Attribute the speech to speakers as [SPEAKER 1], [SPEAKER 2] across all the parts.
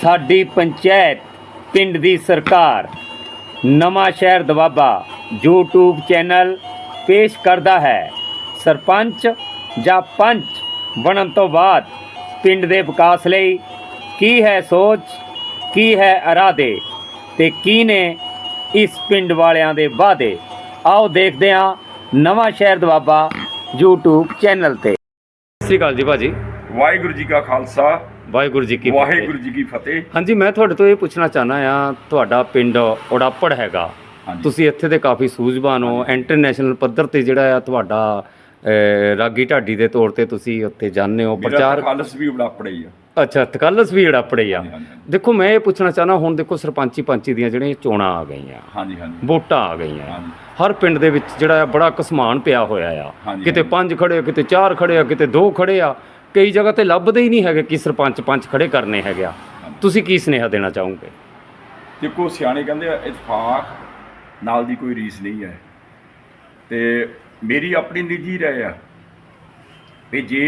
[SPEAKER 1] ਸਾਡੀ ਪੰਚਾਇਤ ਪਿੰਡ ਦੀ ਸਰਕਾਰ ਨਵਾਂ ਸ਼ਹਿਰ ਦਵਾਬਾ YouTube ਚੈਨਲ ਪੇਸ਼ ਕਰਦਾ ਹੈ। ਸਰਪੰਚ ਜਾਂ ਪੰਚ ਬਣਨ ਤੋਂ ਬਾਅਦ ਪਿੰਡ ਦੇ ਵਿਕਾਸ ਲਈ ਕੀ ਹੈ ਸੋਚ, ਕੀ ਹੈ ਇਰਾਦੇ ਤੇ ਕੀ ਨੇ ਇਸ ਪਿੰਡ ਵਾਲਿਆਂ ਦੇ ਵਾਅਦੇ। ਆਓ ਦੇਖਦੇ ਹਾਂ ਨਵਾਂ ਸ਼ਹਿਰ ਦਵਾਬਾ YouTube ਚੈਨਲ ਤੇ। ਸਤਿ ਸ਼੍ਰੀ ਅਕਾਲ ਜੀ ਭਾਜੀ।
[SPEAKER 2] ਵਾਹਿਗੁਰੂ ਜੀ ਕਾ ਖਾਲਸਾ,
[SPEAKER 1] ਵਾਹਿਗੁਰੂ ਜੀ ਕੀ
[SPEAKER 2] ਵਾਹਿਗੁਰੂ ਜੀ ਕੀ ਫਤਿਹ।
[SPEAKER 1] ਹਾਂਜੀ, ਮੈਂ ਤੁਹਾਡੇ ਤੋਂ ਇਹ ਪੁੱਛਣਾ ਚਾਹੁੰਦਾ ਆ, ਤੁਹਾਡਾ ਪਿੰਡ ਉੜਾਪੜ ਹੈਗਾ, ਤੁਸੀਂ ਇੱਥੇ ਦੇ ਕਾਫੀ ਸੂਝਵਾਨ ਹੋ। ਇੰਟਰਨੈਸ਼ਨਲ ਪੱਧਰ ਤੇ ਜਿਹੜਾ ਆ ਤੁਹਾਡਾ ਰਾਗੀ ਢਾਡੀ ਦੇ ਤੌਰ ਤੇ ਤੁਸੀਂ ਉੱਥੇ ਜਾਂਦੇ ਹੋ, ਪ੍ਰਚਾਰ।
[SPEAKER 2] ਖਾਲਸ ਵੀ ਉੜਾਪੜ ਹੀ ਆ।
[SPEAKER 1] ਅੱਛਾ, ਤਕਲਸ ਵੀ ਉੜਾਪੜੇ ਆ। ਦੇਖੋ, ਮੈਂ ਇਹ ਪੁੱਛਣਾ ਚਾਹੁੰਦਾ, ਹੁਣ ਦੇਖੋ ਸਰਪੰਚੀ ਪੰਚੀ ਦੀਆਂ ਜਿਹੜੀਆਂ ਚੋਣਾਂ ਆ ਗਈਆਂ, ਵੋਟਾਂ ਆ ਗਈਆਂ, ਹਰ ਪਿੰਡ ਦੇ ਵਿੱਚ ਜਿਹੜਾ ਬੜਾ ਘਸਮਾਨ ਪਿਆ ਹੋਇਆ ਆ। ਕਿਤੇ 5 ਖੜੇ ਆ, ਕਿਤੇ 4 ਖੜੇ ਆ, ਕਿਤੇ 2 ਖੜੇ ਆ, ਕਈ ਜਗ੍ਹਾ ਤੇ ਲੱਭਦੇ ਹੀ ਨਹੀਂ ਹੈਗੇ ਕਿ ਸਰਪੰਚ ਪੰਚ ਖੜੇ ਕਰਨੇ ਹੈਗੇ ਆ। ਤੁਸੀਂ ਕੀ ਸੁਨੇਹਾ ਦੇਣਾ ਚਾਹੋਗੇ?
[SPEAKER 2] ਦੇਖੋ, ਸਿਆਣੇ ਕਹਿੰਦੇ ਆ ਇਤਫਾਕ ਨਾਲ ਦੀ ਕੋਈ ਰੀਸ ਨਹੀਂ ਹੈ, ਤੇ ਮੇਰੀ ਆਪਣੀ ਨਿੱਜੀ ਰਾਏ ਆ ਵੀ ਜੇ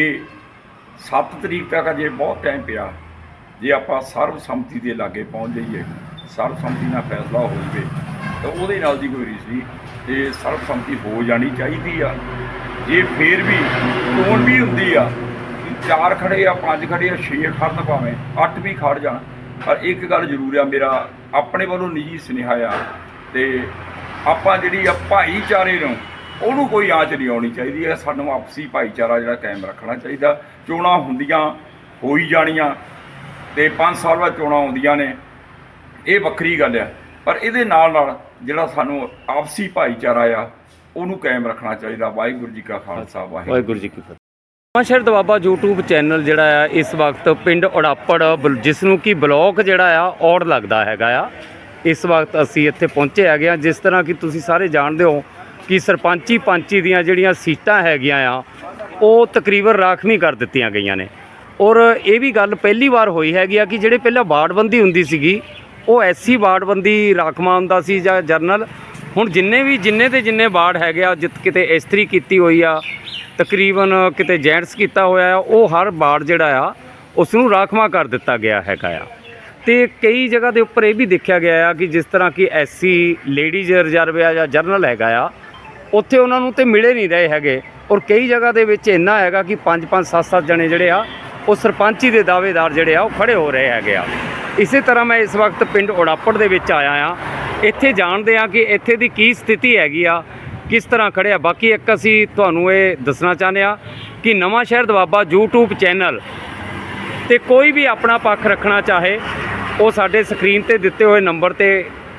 [SPEAKER 2] 7 ਤਰੀਕ ਤੱਕ ਅਜੇ ਬਹੁਤ ਟਾਈਮ ਪਿਆ, ਜੇ ਆਪਾਂ ਸਰਬਸੰਮਤੀ ਦੇ ਲਾਗੇ ਪਹੁੰਚ ਜਾਈਏ, ਸਰਬਸੰਮਤੀ ਨਾਲ ਫੈਸਲਾ ਹੋ ਜਾਵੇ ਤਾਂ ਉਹਦੇ ਨਾਲ ਦੀ ਕੋਈ ਰੀਸ ਨਹੀਂ, ਤੇ ਸਰਬਸੰਮਤੀ ਹੋ ਜਾਣੀ ਚਾਹੀਦੀ ਆ। ਜੇ ਫੇਰ ਵੀ ਚੋਣ ਵੀ ਹੁੰਦੀ ਆ, 4 ਖੜੇ ਆ, 5 ਖੜੇ ਆ, 6 ਖੜਨ, ਭਾਵੇਂ 8 ਵੀ ਖੜ ਜਾਣ, ਪਰ ਇੱਕ ਗੱਲ ਜ਼ਰੂਰ ਆ, ਮੇਰਾ ਆਪਣੇ ਵੱਲੋਂ ਨਿੱਜੀ ਸੁਨੇਹਾ ਆ, ਤੇ ਆਪਾਂ ਜਿਹੜੀ ਆ ਭਾਈਚਾਰੇ ਨੂੰ ਉਹਨੂੰ ਕੋਈ ਆਂਚ ਨਹੀਂ ਆਉਣੀ ਚਾਹੀਦੀ ਹੈ। ਸਾਨੂੰ ਆਪਸੀ ਭਾਈਚਾਰਾ ਜਿਹੜਾ ਕਾਇਮ ਰੱਖਣਾ ਚਾਹੀਦਾ। ਚੋਣਾਂ ਹੁੰਦੀਆਂ ਹੋਈ ਜਾਣੀਆਂ, ਤੇ 5 ਸਾਲ ਬਾਅਦ ਚੋਣਾਂ ਆਉਂਦੀਆਂ ਨੇ, ਇਹ ਵੱਖਰੀ ਗੱਲ ਆ, ਪਰ ਇਹਦੇ ਨਾਲ ਨਾਲ ਜਿਹੜਾ ਸਾਨੂੰ ਆਪਸੀ ਭਾਈਚਾਰਾ ਆ ਉਹਨੂੰ ਕਾਇਮ ਰੱਖਣਾ ਚਾਹੀਦਾ। ਵਾਹਿਗੁਰੂ ਜੀ ਕਾ ਖਾਲਸਾ, ਵਾਹਿਗੁਰੂ ਜੀ ਕੀ ਫਤਿਹ। ਨਵਾਂ ਸ਼ਹਿਰ ਦਵਾਬਾ YouTube ਚੈਨਲ ਜਿਹੜਾ ਆ ਇਸ ਵਕਤ ਪਿੰਡ ਉੜਾਪੜ, ਜਿਸ ਨੂੰ ਕਿ ਬਲੋਕ ਜਿਹੜਾ ਆ ਔੜ ਲੱਗਦਾ ਹੈਗਾ ਆ, ਇਸ ਵਕਤ ਅਸੀਂ ਇੱਥੇ ਪਹੁੰਚੇ ਹੈਗੇ ਆ। ਜਿਸ ਤਰ੍ਹਾਂ ਕਿ ਤੁਸੀਂ ਸਾਰੇ ਜਾਣਦੇ ਹੋ ਕਿ ਸਰਪੰਚੀ ਪੰਚੀ ਦੀਆਂ ਜਿਹੜੀਆਂ ਸੀਟਾਂ ਹੈਗੀਆਂ ਆ ਉਹ ਤਕਰੀਬਨ ਰਾਖਵੀਂ ਕਰ ਦਿੱਤੀਆਂ ਗਈਆਂ ਨੇ। ਔਰ ਇਹ ਵੀ ਗੱਲ ਪਹਿਲੀ ਵਾਰ ਹੋਈ ਹੈਗੀ ਆ ਕਿ ਜਿਹੜੇ ਪਹਿਲਾਂ ਵਾਰਡਬੰਦੀ ਹੁੰਦੀ ਸੀਗੀ ਉਹ ਐਸੀ ਵਾਰਡਬੰਦੀ ਰਾਖਵਾਂ ਹੁੰਦਾ ਸੀ ਜਾਂ ਜਰਨਲ। ਹੁਣ ਜਿੰਨੇ ਵਾਰਡ ਹੈਗੇ ਆ, ਕਿਤੇ ਇਸਤਰੀ ਕੀਤੀ ਹੋਈ ਆ, ਤਕਰੀਬਨ ਕਿਤੇ ਜੈਂਟਸ ਕੀਤਾ ਹੋਇਆ ਆ, ਉਹ ਹਰ ਵਾਰਡ ਜਿਹੜਾ ਆ ਉਸ ਨੂੰ ਰਾਖਵਾਂ ਕਰ ਦਿੱਤਾ ਗਿਆ ਹੈਗਾ ਆ। ਅਤੇ ਕਈ ਜਗ੍ਹਾ ਦੇ ਉੱਪਰ ਇਹ ਵੀ ਦੇਖਿਆ ਗਿਆ ਆ ਕਿ ਜਿਸ ਤਰ੍ਹਾਂ ਕਿ ਐਸਸੀ ਲੇਡੀਜ਼ ਰਿਜ਼ਰਵ ਆ ਜਾਂ ਜਰਨਲ ਹੈਗਾ ਆ, ਉੱਥੇ ਉਹਨਾਂ ਨੂੰ ਤਾਂ ਮਿਲੇ ਨਹੀਂ ਰਹੇ ਹੈਗੇ। ਔਰ ਕਈ ਜਗ੍ਹਾ ਦੇ ਵਿੱਚ ਇੰਨਾ ਹੈਗਾ ਕਿ 5-5 7-7 ਜਣੇ ਜਿਹੜੇ ਆ ਉਹ ਸਰਪੰਚੀ ਦੇ ਦਾਅਵੇਦਾਰ ਜਿਹੜੇ ਆ ਉਹ ਖੜੇ ਹੋ ਰਹੇ ਹੈਗੇ ਆ। ਇਸੇ ਤਰ੍ਹਾਂ ਮੈਂ ਇਸ ਵਕਤ ਪਿੰਡ ਉੜਾਪੜ ਦੇ ਵਿੱਚ ਆਇਆ ਆ। ਇੱਥੇ ਜਾਣਦੇ ਆ ਕਿ ਇੱਥੇ ਦੀ ਕੀ ਸਥਿਤੀ ਹੈਗੀ ਆ, ਕਿਸ ਤਰ੍ਹਾਂ ਖੜੇ ਆ। ਬਾਕੀ ਇੱਕ ਅਸੀਂ ਤੁਹਾਨੂੰ ਇਹ ਦੱਸਣਾ ਚਾਹੁੰਦੇ ਆ ਕਿ ਨਵਾਂ ਸ਼ਹਿਰ ਦਵਾਬਾ YouTube ਚੈਨਲ 'ਤੇ ਕੋਈ ਵੀ ਆਪਣਾ ਪੱਖ ਰੱਖਣਾ ਚਾਹੇ ਉਹ ਸਾਡੇ ਸਕਰੀਨ 'ਤੇ ਦਿੱਤੇ ਹੋਏ ਨੰਬਰ 'ਤੇ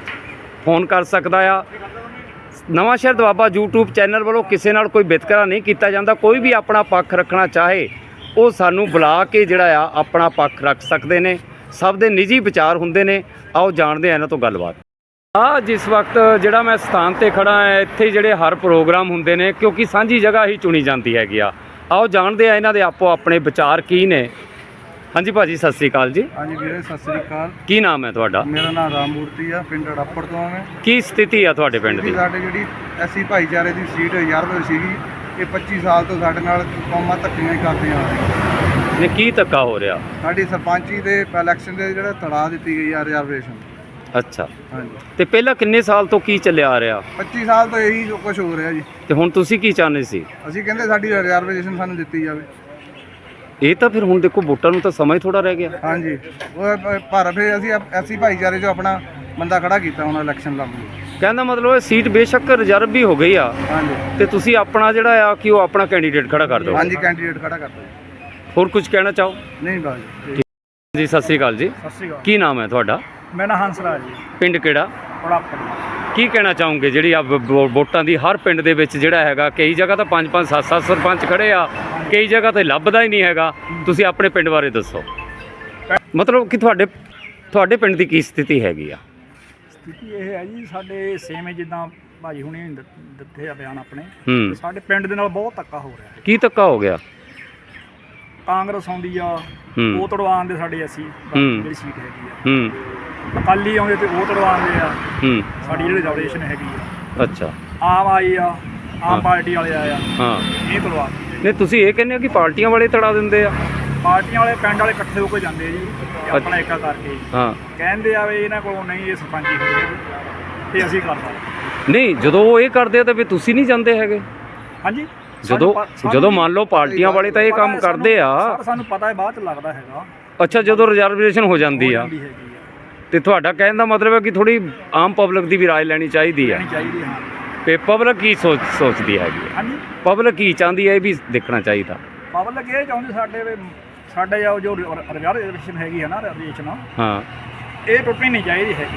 [SPEAKER 2] ਫੋਨ ਕਰ ਸਕਦਾ ਆ। ਨਵਾਂ ਸ਼ਹਿਰ ਦਵਾਬਾ YouTube ਚੈਨਲ ਵੱਲੋਂ ਕਿਸੇ ਨਾਲ ਕੋਈ ਵਿਤਕਰਾ ਨਹੀਂ ਕੀਤਾ ਜਾਂਦਾ। ਕੋਈ ਵੀ ਆਪਣਾ ਪੱਖ ਰੱਖਣਾ ਚਾਹੇ ਉਹ ਸਾਨੂੰ ਬੁਲਾ ਕੇ ਜਿਹੜਾ ਆ ਆਪਣਾ ਪੱਖ ਰੱਖ ਸਕਦੇ ਨੇ। ਸਭ ਦੇ ਨਿੱਜੀ ਵਿਚਾਰ ਹੁੰਦੇ ਨੇ। ਆਓ ਜਾਣਦੇ ਆ ਇਹਨਾਂ ਤੋਂ ਗੱਲਬਾਤ। ਜਿਸ ਵਕਤ ਜਿਹੜਾ ਮੈਂ ਸਥਾਨ 'ਤੇ ਖੜਾ ਹਾਂ, ਇੱਥੇ ਜਿਹੜੇ ਹਰ ਪ੍ਰੋਗਰਾਮ ਹੁੰਦੇ ਨੇ, ਕਿਉਂਕਿ ਸਾਂਝੀ ਜਗ੍ਹਾ ਹੀ ਚੁਣੀ ਜਾਂਦੀ ਹੈਗੀ ਆ। ਆਓ ਜਾਣਦੇ ਆ ਇਹਨਾਂ ਦੇ ਆਪੋ ਆਪਣੇ ਵਿਚਾਰ ਕੀ ਨੇ। ਹਾਂਜੀ ਭਾਜੀ, ਸਤਿ ਸ਼੍ਰੀ ਅਕਾਲ ਜੀ। ਹਾਂਜੀ ਵੀਰੇ, ਸਤਿ ਸ਼੍ਰੀ ਅਕਾਲ। ਕੀ ਨਾਮ ਹੈ ਤੁਹਾਡਾ? ਮੇਰਾ ਨਾਮ ਰਾਮ ਮੂਰਤੀ ਆ, ਪਿੰਡ ਉੜਾਪੜ ਤੋਂ ਆ ਮੈਂ। ਕੀ ਸਥਿਤੀ ਆ ਤੁਹਾਡੇ ਪਿੰਡ ਦੀ? ਸਾਡੇ ਜਿਹੜੀ ਐਸੀ ਭਾਈਚਾਰੇ ਦੀ ਸੀਟ ਰਿਜ਼ਰਵ ਸੀਗੀ, ਇਹ 25 ਸਾਲ ਤੋਂ ਸਾਡੇ ਨਾਲ ਕੌਮਾਂ ਧੱਕੀਆਂ ਹੀ ਕਰਦੀਆਂ ਆ ਰਹੀਆਂ ਨੇ। ਕੀ ਧੱਕਾ ਹੋ ਰਿਹਾ? ਸਾਡੀ ਸਰਪੰਚੀ ਦੇ ਇਲੈਕਸ਼ਨ ਦੇ ਜਿਹੜਾ ਤੜਾ ਦਿੱਤੀ ਗਈ ਆ ਰਿਜ਼ਰਵੇਸ਼ਨ। ਅੱਛਾ, ਹਾਂਜੀ। ਤੇ ਪਹਿਲਾਂ ਕਿੰਨੇ ਸਾਲ ਤੋਂ ਕੀ ਚੱਲਿਆ ਆ ਰਿਹਾ? 25 ਸਾਲ ਤੋਂ ਇਹੀ ਕੁਝ ਹੋ ਰਿਹਾ ਜੀ। ਤੇ ਹੁਣ ਤੁਸੀਂ ਕੀ ਚਾਹੁੰਦੇ ਸੀ? ਅਸੀਂ ਕਹਿੰਦੇ ਸਾਡੀ ਰਿਜ਼ਰਵੇਸ਼ਨ ਸਾਨੂੰ ਦਿੱਤੀ ਜਾਵੇ। ਇਹ ਤਾਂ ਫਿਰ ਹੁਣ ਦੇਖੋ, ਵੋਟਾਂ ਨੂੰ ਤਾਂ ਸਮਾਂ ਹੀ ਥੋੜਾ ਰਹਿ ਗਿਆ। ਹਾਂਜੀ, ਪਰ ਫਿਰ ਅਸੀਂ ਐਸੀ ਭਾਈਚਾਰੇ 'ਚੋਂ ਆਪਣਾ ਬੰਦਾ ਖੜਾ ਕੀਤਾ ਹੁਣ ਇਲੈਕਸ਼ਨ ਲੜਨ। ਕਹਿੰਦਾ ਮਤਲਬ ਇਹ ਸੀਟ ਬੇਸ਼ੱਕ ਰਿਜ਼ਰਵ ਵੀ ਹੋ ਗਈ ਆ। ਹਾਂਜੀ, ਤੇ ਤੁਸੀਂ ਆਪਣਾ ਜਿਹੜਾ ਆ ਕਿ ਉਹ ਆਪਣਾ ਕੈਂਡੀਡੇਟ ਖੜਾ ਕਰ ਦਿਓ। ਹਾਂਜੀ, ਕੈਂਡੀਡੇਟ ਖੜਾ ਕਰ ਦਿਓ। ਹੋਰ ਕੁਝ ਕਹਿਣਾ ਚਾਹੋ? ਨਹੀਂ ਬਾਜੀ ਜੀ। ਸਤਿ ਸ਼੍ਰੀ ਅਕਾਲ ਜੀ। ਸਤਿ ਸ਼੍ਰੀ ਅਕਾਲ। ਕੀ ਨਾਮ ਹੈ ਤੁਹਾਡਾ? ਮੇਰਾ ਨਾਮ ਹੰਸਰਾਜ ਜੀ। ਪਿੰਡ ਕਿਹੜਾ? ਉੜਾਪੜ। ਕੀ ਕਹਿਣਾ ਚਾਹੋਗੇ ਜਿਹੜੀ ਆ ਵੋਟਾਂ ਦੀ ਹਰ ਪਿੰਡ ਦੇ ਵਿੱਚ ਜਿਹੜਾ ਹੈਗਾ, ਕਈ ਜਗ੍ਹਾ ਤਾਂ 5-5 7-7 ਸਰਪੰਚ ਖੜੇ ਆ, ਕਈ ਜਗ੍ਹਾ ਤੇ ਲੱਭਦਾ ਹੀ ਨਹੀਂ ਹੈਗਾ। ਤੁਸੀਂ ਆਪਣੇ ਪਿੰਡ ਬਾਰੇ ਦੱਸੋ, ਮਤਲਬ ਕਿ ਤੁਹਾਡੇ ਪਿੰਡ ਦੀ ਕੀ ਸਥਿਤੀ ਹੈਗੀ ਆ?
[SPEAKER 3] ਸਥਿਤੀ ਇਹ ਹੈ ਜੀ, ਸਾਡੇ ਸੇਮ ਜਿੱਦਾਂ ਭਾਜੀ ਹੁਣੇ ਦਿੱਤੇ ਆ ਬਿਆਨ ਆਪਣੇ, ਸਾਡੇ ਪਿੰਡ ਦੇ ਨਾਲ ਬਹੁਤ ਧੱਕਾ ਹੋ ਰਿਹਾ। ਕੀ ਧੱਕਾ ਹੋ ਗਿਆ? ਕਾਂਗਰਸ ਆਉਂਦੀ ਆ, ਉਹ ਤੜਵਾਉਣ ਦੇ ਸਾਡੇ ਅਸੀਂ ਜਿਹੜੀ ਸੀਟ ਹੈਗੀ ਆ। ਅਕਾਲੀ ਆਉਂਦੇ ਤੇ ਉਹ ਤੜਵਾਉਂਦੇ ਆ ਸਾਡੀ ਜਿਹੜੀ ਰਿਜ਼ਰਵੇਸ਼ਨ ਹੈਗੀ ਆ। ਅੱਛਾ, ਆਮ ਆਈ ਆ, ਆਮ ਪਾਰਟੀ ਵਾਲੇ ਆਏ ਆ, ਹਾਂ, ਇਹ ਤੜਵਾ। ਨਹੀਂ, ਤੁਸੀਂ ਇਹ ਕਹਿੰਦੇ ਹੋ ਕਿ ਪਾਰਟੀਆਂ ਵਾਲੇ ਤੜਾ ਦਿੰਦੇ ਆ? ਪਾਰਟੀਆਂ ਵਾਲੇ ਪਿੰਡ ਵਾਲੇ ਇਕੱਠੇ ਹੋ ਕੇ ਜਾਂਦੇ ਜੀ ਤੇ ਆਪਣਾ ਏਕਾ ਕਰਕੇ
[SPEAKER 1] ਹਾਂ
[SPEAKER 3] ਕਹਿੰਦੇ ਆ ਵੀ ਇਹਨਾਂ ਕੋਲੋਂ ਨਹੀਂ ਇਹ ਸਰਪੰਚੀ ਹੋਣੀ ਤੇ ਅਸੀਂ ਕਰਦਾ।
[SPEAKER 1] ਨਹੀਂ, ਜਦੋਂ ਉਹ ਇਹ ਕਰਦੇ ਆ ਤਾਂ ਫਿਰ ਤੁਸੀਂ ਨਹੀਂ ਜਾਂਦੇ ਹੈਗੇ?
[SPEAKER 3] ਹਾਂਜੀ,
[SPEAKER 1] ਜਦੋਂ ਮੰਨ ਲਓ ਪਾਰਟੀਆਂ ਵਾਲੇ ਤਾਂ ਇਹ ਕੰਮ ਕਰਦੇ ਆ।
[SPEAKER 3] ਸਾਨੂੰ ਪਤਾ ਹੈ, ਬਾਅਦ ਚ ਲੱਗਦਾ ਹੈਗਾ।
[SPEAKER 1] ਅੱਛਾ, ਜਦੋਂ ਰਿਜ਼ਰਵੇਸ਼ਨ ਹੋ ਜਾਂਦੀ ਆ ਤੇ ਤੁਹਾਡਾ ਕਹਿਣ ਦਾ ਮਤਲਬ ਹੈ ਕਿ ਥੋੜੀ ਆਮ ਪਬਲਿਕ ਦੀ ਵੀ ਰਾਏ ਲੈਣੀ ਚਾਹੀਦੀ ਆ।
[SPEAKER 3] ਹਾਂ।
[SPEAKER 1] ਤੇ ਪਬਲਿਕ ਕੀ ਸੋਚਦੀ ਹੈਗੀ?
[SPEAKER 3] ਹਾਂਜੀ,
[SPEAKER 1] ਪਬਲਿਕ ਕੀ ਚਾਹੁੰਦੀ ਹੈ ਇਹ ਵੀ ਦੇਖਣਾ ਚਾਹੀਦਾ।
[SPEAKER 3] ਪਬਲਿਕ ਇਹ ਚਾਹੁੰਦੀ ਸਾਡੇ ਜੋ ਰਿਜ਼ਰਵੇਸ਼ਨ ਹੈਗੀ ਹੈ ਨਾ, ਰਿਜ਼ਰਵੇਸ਼ਨ
[SPEAKER 1] ਹਾਂ,
[SPEAKER 3] ਇਹ ਟੁੱਟਣੀ ਨਹੀਂ ਚਾਹੀਦੀ ਹੈਗੀ।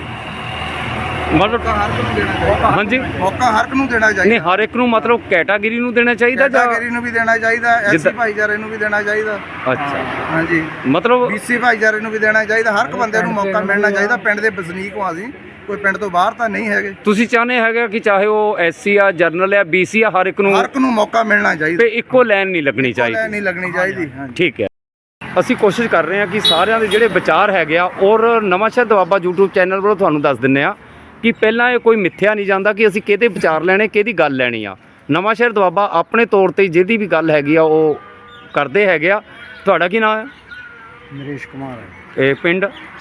[SPEAKER 1] ਮਤਲਬ
[SPEAKER 4] ਹਰ ਇੱਕ ਨੂੰ ਦੇਣਾ ਚਾਹੀਦਾ।
[SPEAKER 1] ਹਾਂਜੀ,
[SPEAKER 4] ਮੌਕਾ ਹਰ ਇੱਕ ਨੂੰ ਦੇਣਾ ਚਾਹੀਦਾ।
[SPEAKER 1] ਨਹੀਂ, ਹਰ ਇੱਕ ਨੂੰ ਮਤਲਬ ਕੈਟਾਗਰੀ ਨੂੰ ਦੇਣਾ ਚਾਹੀਦਾ ਜਾਂ
[SPEAKER 4] ਕੈਟਾਗਰੀ ਨੂੰ ਵੀ ਦੇਣਾ ਚਾਹੀਦਾ, ਐਸਸੀ ਭਾਈਚਾਰੇ ਨੂੰ ਵੀ ਦੇਣਾ ਚਾਹੀਦਾ।
[SPEAKER 1] ਅੱਛਾ,
[SPEAKER 4] ਹਾਂਜੀ,
[SPEAKER 1] ਮਤਲਬ
[SPEAKER 4] ਬੀਸੀ ਭਾਈਚਾਰੇ ਨੂੰ ਵੀ ਦੇਣਾ ਚਾਹੀਦਾ। ਹਰ ਇੱਕ ਬੰਦੇ ਨੂੰ ਮੌਕਾ ਮਿਲਣਾ ਚਾਹੀਦਾ। ਪਿੰਡ ਦੇ ਵਸਨੀਕ ਹਾਂ ਅਸੀਂ, ਕੋਈ ਪਿੰਡ ਤੋਂ ਬਾਹਰ ਤਾਂ ਨਹੀਂ ਹੈਗੇ।
[SPEAKER 1] ਤੁਸੀਂ ਚਾਹੁੰਦੇ ਹੈਗੇ ਕਿ ਚਾਹੇ ਉਹ ਐਸਸੀ ਆ, ਜਰਨਲ ਆ, ਬੀਸੀ ਆ, ਹਰ ਇੱਕ ਨੂੰ
[SPEAKER 4] ਮੌਕਾ ਮਿਲਣਾ ਚਾਹੀਦਾ
[SPEAKER 1] ਤੇ ਇੱਕੋ ਲਾਈਨ ਨਹੀਂ ਲੱਗਣੀ ਚਾਹੀਦੀ।
[SPEAKER 4] ਨਹੀਂ ਲੱਗਣੀ ਚਾਹੀਦੀ। ਹਾਂਜੀ,
[SPEAKER 1] ਠੀਕ ਹੈ। ਅਸੀਂ ਕੋਸ਼ਿਸ਼ ਕਰ ਰਹੇ ਹਾਂ ਕਿ ਸਾਰਿਆਂ ਦੇ ਜਿਹੜੇ ਵਿਚਾਰ ਹੈਗੇ ਆ, ਔਰ ਨਵਾਂਸ਼ਹਿਰ ਦੁਆਬਾ YouTube ਚੈਨਲ ਵੱਲੋਂ ਤੁਹਾਨੂੰ ਦੱਸ ਦਿੰਦੇ ਆ ਕਿ ਪਹਿਲਾਂ ਇਹ ਕੋਈ ਮਿੱਥਿਆ ਨਹੀਂ ਜਾਂਦਾ ਕਿ ਅਸੀਂ ਕਿਹਦੇ ਵਿਚਾਰ ਲੈਣੇ, ਕਿਹਦੀ ਗੱਲ ਲੈਣੀ ਆ। ਨਵਾਂਸ਼ਹਿਰ ਦੁਆਬਾ ਆਪਣੇ ਤੌਰ ਤੇ ਜਿਹਦੀ ਵੀ ਗੱਲ ਹੈਗੀ ਆ ਉਹ ਕਰਦੇ ਹੈਗੇ ਆ। ਤੁਹਾਡਾ ਕੀ ਨਾਮ ਹੈ?
[SPEAKER 3] ਨਰੇਸ਼ ਕੁਮਾਰ ਹੈ।
[SPEAKER 1] ਇਹ ਪਿੰਡ